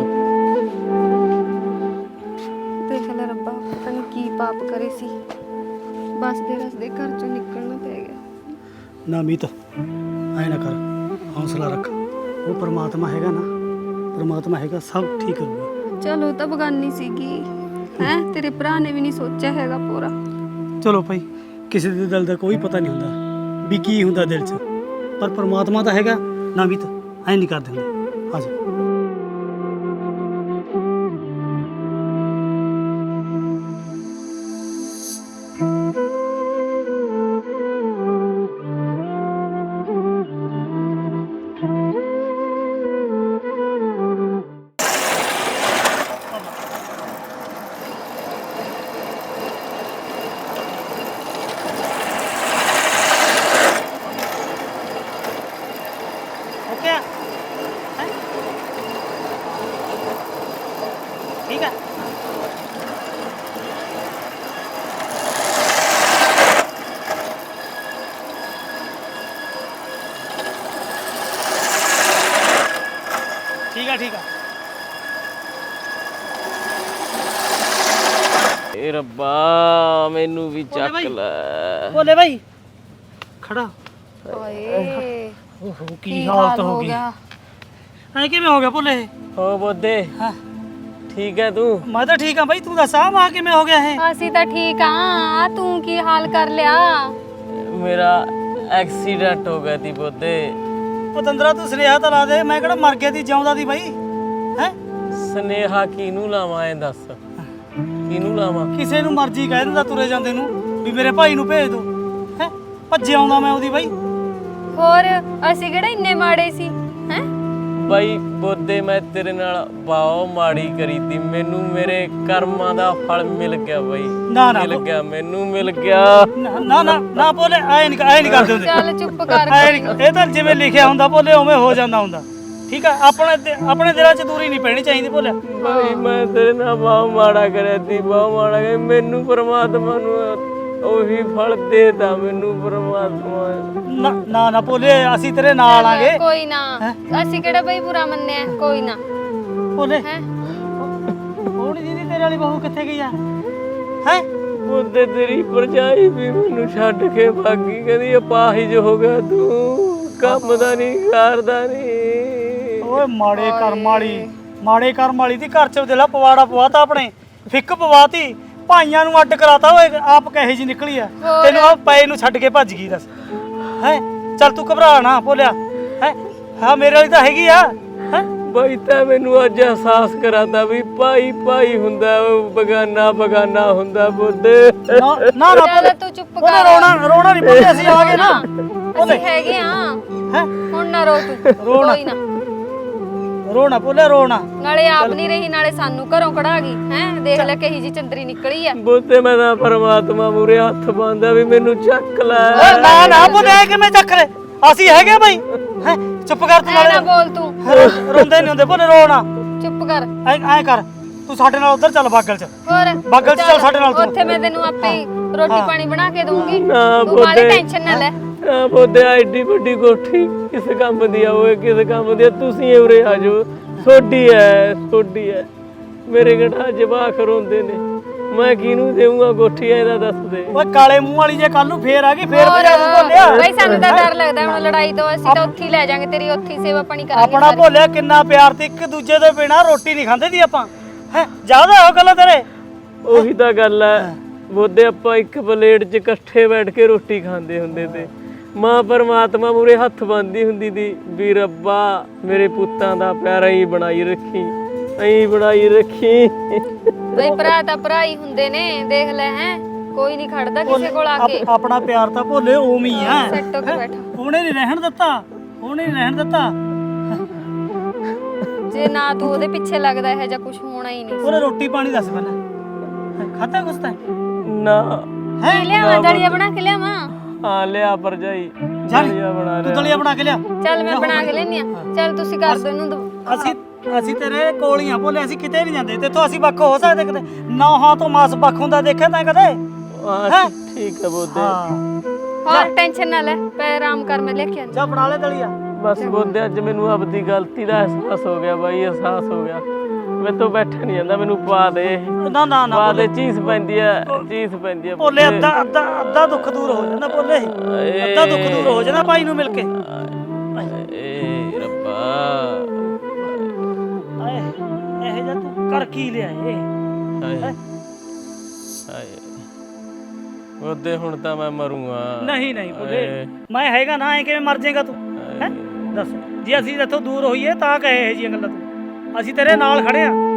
Speaker 1: ਦੇਖ ਲੈ ਰੱਬਾ ਪਤਾ ਨਹੀਂ ਕੀ ਪਾਪ ਕਰੇ ਸੀ ਬਸ ਦੇ ਰਸ ਦੇ ਘਰ ਚੋਂ ਨਿਕਲਣਾ ਪੈ ਗਿਆ
Speaker 4: ਨਾ ਮੀਤ ਐ ਨਾ ਕਰ ਹੌਸਲਾ ਰੱਖ ਉਹ ਪਰਮਾਤਮਾ ਹੈਗਾ ਨਾ ਪਰਮਾਤਮਾ ਹੈਗਾ ਸਭ ਠੀਕ ਕਰੂਗਾ
Speaker 1: ਚਲੋ ਤਾਂ ਬਗਾਨੀ ਸੀਗੀ ਹੈ ਤੇਰੇ ਭਰਾ ਨੇ ਵੀ ਨਹੀਂ ਸੋਚਿਆ ਹੈਗਾ ਪੂਰਾ
Speaker 4: ਚਲੋ ਭਾਈ ਕਿਸੇ ਦੇ ਦਿਲ ਦਾ ਕੋਈ ਪਤਾ ਨਹੀਂ ਹੁੰਦਾ ਵੀ ਕੀ ਹੁੰਦਾ ਦਿਲ 'ਚ ਪਰ ਪਰਮਾਤਮਾ ਤਾਂ ਹੈਗਾ ਨਾ ਮੀਤ ਐ ਨਹੀਂ ਕਰਦੇ ਹੁੰਦੇ ਆ ਜਾ ओके ठीक है ठीक है ठीक है
Speaker 3: ਏ ਰੱਬਾ ਮੈਨੂੰ ਵੀ ਚੱਕ ਲੈ
Speaker 4: बोले भाई खड़ा
Speaker 1: ਓਏ
Speaker 4: ओहो की हालत हो गई ਐ ਕਿਵੇਂ ਹੋ ਗਿਆ ਭੋਲੇ
Speaker 3: ਹੋ ਬੋਦੇ
Speaker 4: ਹਾਂ
Speaker 3: ਠੀਕ ਹੈ ਤੂੰ
Speaker 4: ਮੈਂ ਤਾਂ ਠੀਕ ਹਾਂ ਬਾਈ ਤੂੰ ਦੱਸ ਆ ਮਾ ਕਿਵੇਂ ਹੋ ਗਿਆ ਇਹ
Speaker 1: ਅਸੀਂ ਤਾਂ ਠੀਕ ਆ ਤੂੰ ਕੀ ਹਾਲ ਕਰ ਲਿਆ
Speaker 3: ਮੇਰਾ ਐਕਸੀਡੈਂਟ ਹੋ ਗਿਆ ਤੀ ਬੋਦੇ
Speaker 4: ਪਤੰਦਰਾ ਤੂੰ ਸੁਨੇਹਾ ਤਾਂ ਲਾ ਦੇ ਮੈਂ ਕਿਹੜਾ ਮਰ ਗਿਆ ਦੀ ਜਿਉਂਦਾ ਦੀ ਬਾਈ ਹੈ
Speaker 3: ਸਨੇਹਾ ਕਿਹਨੂੰ ਲਾਵਾਂ ਐ ਦੱਸ ਕਿਹਨੂੰ ਲਾਵਾਂ
Speaker 4: ਕਿਸੇ ਨੂੰ ਮਰਜ਼ੀ ਕਹਿ ਦਿੰਦਾ ਤੁਰੇ ਜਾਂਦੇ ਨੂੰ ਵੀ ਮੇਰੇ ਭਾਈ ਨੂੰ ਭੇਜ ਦੋ ਹੈ ਭੱਜੇ ਆਉਂਦਾ ਮੈਂ ਉਹਦੀ ਬਾਈ
Speaker 1: ਹੋਰ ਅਸੀਂ ਕਿਹੜਾ ਇੰਨੇ ਮਾੜੇ ਸੀ ਹੈ
Speaker 3: ਬਾਈ ਬੋਦੇ ਮੈਂ ਤੇਰੇ ਨਾਲ ਬਹੁਤ ਮਾੜੀ ਕਰੀ ਤੀ ਮੈਨੂੰ ਮੇਰੇ ਕਰਮਾਂ ਦਾ ਫਲ ਮਿਲ ਗਿਆ ਬਾਈ
Speaker 4: ਨਾ ਨਾ
Speaker 3: ਮਿਲ ਗਿਆ ਮੈਨੂੰ ਮਿਲ ਗਿਆ
Speaker 4: ਨਾ ਨਾ ਨਾ ਨਾ ਬੋਲੇ ਐ ਨਹੀਂ ਐ ਨਹੀਂ ਕਰਦੇ ਹੁੰਦੇ
Speaker 1: ਚੱਲ ਚੁੱਪ ਕਰ
Speaker 4: ਐ ਨਹੀਂ ਇਹ ਤਾਂ ਜਿਵੇਂ ਲਿਖਿਆ ਹੁੰਦਾ ਬੋਲੇ ਉਵੇਂ ਹੋ ਜਾਂਦਾ ਹੁੰਦਾ ਠੀਕ ਆ ਆਪਣੇ ਦਿ- ਆਪਣੇ ਦਿਲਾਂ 'ਚ ਦੂਰੀ ਨਹੀਂ ਪੈਣੀ ਚਾਹੀਦੀ ਬੋਲੇ
Speaker 3: ਬਾਈ ਮੈਂ ਤੇਰੇ ਨਾਲ ਬਹੁਤ ਮਾੜਾ ਕਰਿਆ ਤੀ ਬਹੁਤ ਮਾੜਾ ਕਰਿਆ ਮੈਨੂੰ ਪਰਮਾਤਮਾ ਨੂੰ ਉਹੀ ਫਲ ਦੇਤਾ ਮੈਨੂੰ ਪਰਮਾਤਮਾ
Speaker 4: ਨਾ ਨਾ ਨਾ ਬੋਲੇ ਅਸੀਂ ਤੇਰੇ ਨਾਲ ਆਂਗੇ
Speaker 1: ਕੋਈ ਨਾ ਅਸੀਂ ਕਿਹੜਾ ਬਈ ਬੁਰਾ ਮੰਨਿਆ ਕੋਈ ਨਾ
Speaker 4: ਬੋਲੇ
Speaker 1: ਹੈ
Speaker 4: ਹੋਣੀ ਦੀਦੀ ਤੇਰੇ ਵਾਲੀ ਬਹੂ ਕਿੱਥੇ ਗਈ ਆ ਹੈ
Speaker 3: ਬੁੱਧੇ ਤੇਰੀ ਭਰਜਾਈ ਵੀ ਮੈਨੂੰ ਛੱਡ ਕੇ ਭਾਗੀ, ਕਹਿੰਦੀ ਅਪਾਹਿਜ ਹੋ ਗਿਆ ਤੂੰ, ਕੰਮ ਦਾ ਨਹੀਂ ਕਰਦਾ ਨਹੀਂ।
Speaker 4: ਓਏ ਮਾੜੇ ਕਰਮ ਵਾਲੀ, ਮਾੜੇ ਕਰਮ ਵਾਲੀ ਦੀ ਘਰ ਚ ਦਿਲਾ ਪਵਾੜਾ ਪਵਾਤਾ, ਆਪਣੇ ਫਿੱਕ ਪਵਾਤੀ, ਭਾਈਆਂ ਨੂੰ ਅੱਡ ਕਰਾਤਾ। ਓਏ ਆਪ ਕਹੇ ਜੀ ਨਿਕਲੀ ਆ, ਤੈਨੂੰ ਆ ਪਏ ਨੂੰ ਛੱਡ ਕੇ ਭੱਜ ਗਈ। ਦੱਸ ਹੈ, ਚੱਲ ਤੂੰ ਘਬਰਾ ਨਾ ਭੋਲਿਆ, ਹੈ ਹਾਂ ਮੇਰੇ ਵਾਲੀ ਤਾਂ ਹੈਗੀ ਆ। ਹੈ
Speaker 3: ਬਾਈ ਤਾਂ ਮੈਨੂੰ ਅੱਜ ਅਹਿਸਾਸ ਕਰਾਤਾ ਵੀ ਭਾਈ ਭਾਈ ਹੁੰਦਾ, ਬਗਾਨਾ ਬਗਾਨਾ ਹੁੰਦਾ ਬੁੱਧੇ।
Speaker 4: ਨਾ ਨਾ ਨਾ
Speaker 1: ਚੱਲ ਤੂੰ ਚੁੱਪ
Speaker 4: ਉਹਨੇ
Speaker 1: ਕਰ,
Speaker 4: ਰੋਣਾ ਰੋਣਾ ਨਹੀਂ ਭੋਲੇ, ਅਸੀਂ ਆ ਗਏ ਨਾ।
Speaker 1: ਅਸੀਂ ਹੈਗੇ ਆ।
Speaker 4: ਹੈ
Speaker 1: ਹੁਣ ਨਾ ਰੋ ਤੂੰ,
Speaker 4: ਰੋਣਾ।
Speaker 1: ਕੋਈ ਨਾ।
Speaker 4: ਰੋਣਾ ਭੋਲੇ ਰੋਣਾ।
Speaker 1: ਨਾਲੇ ਆਪ ਨਹੀਂ ਰਹੀ, ਨਾਲੇ ਸਾਨੂੰ ਘਰੋਂ ਕਢਾ ਗਈ ਹੈ। ਦੇਖ ਲੈ ਕਹੀ ਜੀ ਚੰਦਰੀ ਨਿਕਲੀ ਆ।
Speaker 3: ਬੁੱਧੇ ਮੈਂ ਤਾਂ ਪਰਮਾਤਮਾ ਮੂਰੇ ਹੱਥ ਬੰਨਦਾ ਵੀ ਮੈਨੂੰ ਚੱਕ ਲੈ।
Speaker 4: ਓਏ ਨਾ ਨਾ ਭੋਲੇ, ਕਿਵੇਂ ਚੱਕ ਲੈ, ਅਸੀਂ ਹੈਗੇ ਬਈ। ਹੈ ਚੁੱਪ ਕਰ ਤੂੰ,
Speaker 1: ਐ ਨਾ
Speaker 4: ਨਾਲੇ
Speaker 1: ਬੋਲ ਤੂੰ,
Speaker 4: ਰੋਂਦੇ ਨਹੀਂ ਹੁੰਦੇ ਭੋਲੇ, ਰੋਣਾ।
Speaker 1: ਚੁੱਪ ਕਰ।
Speaker 4: ਐ ਐ ਕਰ, ਤੂੰ ਸਾਡੇ ਨਾਲ ਉਧਰ ਚੱਲ ਬਾਗਲ ਚ।
Speaker 1: ਹੋਰ
Speaker 4: ਬਾਗਲ ਚ ਚੱਲ ਸਾਡੇ ਨਾਲ ਤੂੰ।
Speaker 1: ਉੱਥੇ ਮੈਂ ਤੈਨੂੰ ਆਪੇ ਹੀ ਰੋਟੀ ਪਾਣੀ ਬਣਾ ਕੇ ਦੂੰਗੀ,
Speaker 3: ਨਾ
Speaker 1: ਤੂੰ ਬਾਲੀ
Speaker 3: ਬੁੱਧੇ,
Speaker 1: ਟੈਨਸ਼ਨ ਨਾ ਲੈ।
Speaker 3: ਆ ਬੁੱਧੇ ਐਡੀ ਵੱਡੀ ਕੋਠੀ ਕਿਸ ਕੰਮ ਦੀ ਆ? ਓਏ ਕਿਸ ਕੰਮ ਦੀ ਆ? ਤੁਸੀਂ ਉਰੇ ਆ ਜਾਓ, ਸੋਡੀ ਐ ਸੋਡੀ ਐ। ਮੇਰੇ ਗੜਾ ਜਵਾਕ ਰੋਂਦੇ ਨੇ, ਮੈਂ ਕਿਹਨੂੰ ਦੇਵਾਂਗਾ ਕੋਠੀ? ਇਹਦਾ ਦੱਸ ਦੇ।
Speaker 4: ਓਏ ਕਾਲੇ ਮੂੰਹ ਵਾਲੀ ਜੇ ਕੱਲ ਨੂੰ ਫੇਰ ਆ ਗਈ, ਫੇਰ
Speaker 1: ਹੋਰ
Speaker 4: ਭਜਾ ਦੂੰ ਭੋਲਿਆ।
Speaker 1: ਬਈ ਸਾਨੂੰ ਤਾਂ ਡਰ ਲੱਗਦਾ ਹੁਣ ਲੜਾਈ ਤੋਂ, ਅਸੀਂ ਤਾਂ ਉੱਥੇ ਹੀ ਲੈ ਜਾਾਂਗੇ, ਤੇਰੀ ਉੱਥੇ ਹੀ ਸੇਵਾ ਪਾਣੀ ਕਰਾਂਗੇ
Speaker 4: ਆਪਣਾ
Speaker 1: ਸਾਰੇ।
Speaker 4: ਭੋਲਿਆ ਕਿੰਨਾ ਪਿਆਰ ਤੇ, ਇੱਕ ਦੂਜੇ ਦੇ ਬਿਨਾ ਰੋਟੀ ਨਹੀਂ ਖਾਂਦੇ ਦੀ ਆਪਾਂ। ਹੈ ਜ਼ਿਆਦਾ ਹੋ ਗੱਲ ਤੇਰੇ।
Speaker 3: ਉਹੀ ਤਾਂ ਗੱਲ ਐ ਬੁੱਧੇ, ਆਪਾਂ ਇੱਕ ਪਲੇਟ 'ਚ ਇਕੱਠੇ ਬੈਠ ਕੇ ਰੋਟੀ ਖਾਂਦੇ ਹੁੰਦੇ ਤੇ। ਮਾਂ ਪਰਮਾਤਮਾ ਮੂਰੇ ਹੱਥ ਬੰਨ੍ਹਦੀ ਹੁੰਦੀ ਦੀ ਵੀ ਰੱਬਾ ਮੇਰੇ ਪੁੱਤਾਂ ਦਾ ਪਿਆਰ ਹੀ ਬਣਾਈ ਰੱਖੀ, ਐਂ ਬਣਾਈ ਰੱਖੀ।
Speaker 1: ਬਈ ਭਰਾ ਤਾਂ ਭਰਾ ਹੀ ਹੁੰਦੇ ਨੇ, ਦੇਖ ਲੈ ਹੈ, ਕੋਈ ਨਹੀਂ ਖੜਦਾ ਕਿਸੇ ਕੋਲ ਆ ਕੇ।
Speaker 4: ਆਪ- ਆਪਣਾ ਪਿਆਰ ਤਾਂ ਭੋਲੇ ਉਵੇਂ ਹੀ ਆ।
Speaker 1: ਸੈੱਟ ਹੋ ਕੇ ਬੈਠਾ,
Speaker 4: ਉਹਨੇ ਨਹੀਂ ਰਹਿਣ ਦਿੱਤਾ, ਉਹਨੇ ਨਹੀਂ ਰਹਿਣ ਦਿੱਤਾ।
Speaker 1: ਜੇ ਨਾ ਤੂੰ ਉਹਦੇ ਪਿੱਛੇ ਲੱਗਦਾ ਇਹ ਜਾਂ ਕੁਝ ਹੋਣਾ ਹੀ ਨਹੀਂ।
Speaker 4: ਉਹਨੇ ਰੋਟੀ ਪਾਣੀ ਦੱਸ ਪਹਿਲਾਂ, ਖਾਤਾ ਕੁਛ ਤਾਂ
Speaker 3: ਨਾ
Speaker 1: ਕੀ ਲਿਆਵਾਂ, ਦਲੀਆ ਬਣਾ ਕੇ ਲਿਆਵਾਂ?
Speaker 3: ਹਾਂ ਲਿਆ ਭਰਜਾਈ,
Speaker 4: ਚੱਲ
Speaker 3: ਦਲੀਆ ਬਣਾ
Speaker 4: ਤੂੰ
Speaker 3: ਲਿਆ।
Speaker 4: ਦਲੀਆ ਬਣਾ ਕੇ ਲਿਆ।
Speaker 1: ਚੱਲ ਮੈਂ ਬਣਾ ਕੇ ਲੈਣੀ ਆ। ਚੱਲ ਤੁਸੀਂ ਕਰ ਦੋ ਇਹਨੂੰ ਦੋ-
Speaker 4: ਅਸੀਂ ਅਸੀਂ ਤੇਰੇ ਕੋਲ ਹੀ ਆ ਭੋਲੇ, ਅਸੀਂ ਕਿਤੇ ਨਹੀਂ ਜਾਂਦੇ ਤੇਥੋਂ। ਅਸੀਂ ਵੱਖ ਹੋ ਸਕਦੇ ਕਦੇ? ਨੌਹਾਂ ਤੋਂ ਮਾਸ ਵੱਖ ਹੁੰਦਾ ਦੇਖਿਆ ਤਾਂ ਕਦੇ?
Speaker 3: ਹਾਂ ਠੀਕ ਹੈ ਬੁੱਧੇ।
Speaker 4: ਹਾਂ
Speaker 1: ਹੋਰ ਟੈਨਸ਼ਨ ਨਾ ਲੈ, ਪੈ ਆਰਾਮ ਕਰ, ਮੈਂ ਲੈ ਕੇ ਆਂਦੀ।
Speaker 4: ਜਾ ਬਣਾ ਲੈ ਦਲੀਆ।
Speaker 3: ਬਸ ਬੁੱਧੇ ਅੱਜ ਮੈਨੂੰ ਆਪਦੀ ਗਲਤੀ ਦਾ ਅਹਿਸਾਸ ਹੋ ਗਿਆ ਬਾਈ, ਅਹਿਸਾਸ ਹੋ ਗਿਆ। ਮੈਂ ਤੋਂ ਬੈਠਾ ਨਹੀਂ ਜਾਂਦਾ, ਮੈਨੂੰ ਪਾ ਦੇ,
Speaker 4: ਨਾ ਨਾ ਨਾ
Speaker 3: ਪਾ ਦੇ। ਚੀਜ਼ ਪੈਂਦੀ ਆ, ਚੀਜ਼ ਪੈਂਦੀ ਆ
Speaker 4: ਭੋਲੇ, ਅੱਧਾ ਅੱਧਾ ਅੱਧਾ ਦੁੱਖ ਦੂਰ ਹੋ ਜਾਂਦਾ ਭੋਲੇ, ਅੱਧਾ ਦੁੱਖ ਦੂਰ ਹੋ ਜਾਂਦਾ ਭਾਈ ਨੂੰ ਮਿਲ ਕੇ।
Speaker 3: ਏ ਰੱਬਾ,
Speaker 4: ਆਏ ਇਹ ਜਾ ਤੂੰ ਕਰ ਕੀ ਲਿਆ ਏ?
Speaker 3: ਹਾਏ ਹਾਏ ਬੁੱਧੇ, ਹੁਣ ਤਾਂ ਮੈਂ ਮਰੂੰਗਾ।
Speaker 4: ਨਹੀਂ ਨਹੀਂ ਭੋਲੇ, ਮੈਂ ਹੈਗਾ ਨਾ, ਐ ਕਿਵੇਂ ਮਰ ਜਾਏਗਾ ਤੂੰ? ਹੈ ਦੱਸ, ਜੇ ਅਸੀਂ ਇੱਥੋਂ ਦੂਰ ਹੋਈਏ ਤਾਂ ਕਹੇ ਇਹ ਜੀਆਂ ਗੱਲਾਂ ਤੂੰ। ਅਸੀਂ ਤੇਰੇ ਨਾਲ ਖੜੇ ਆ।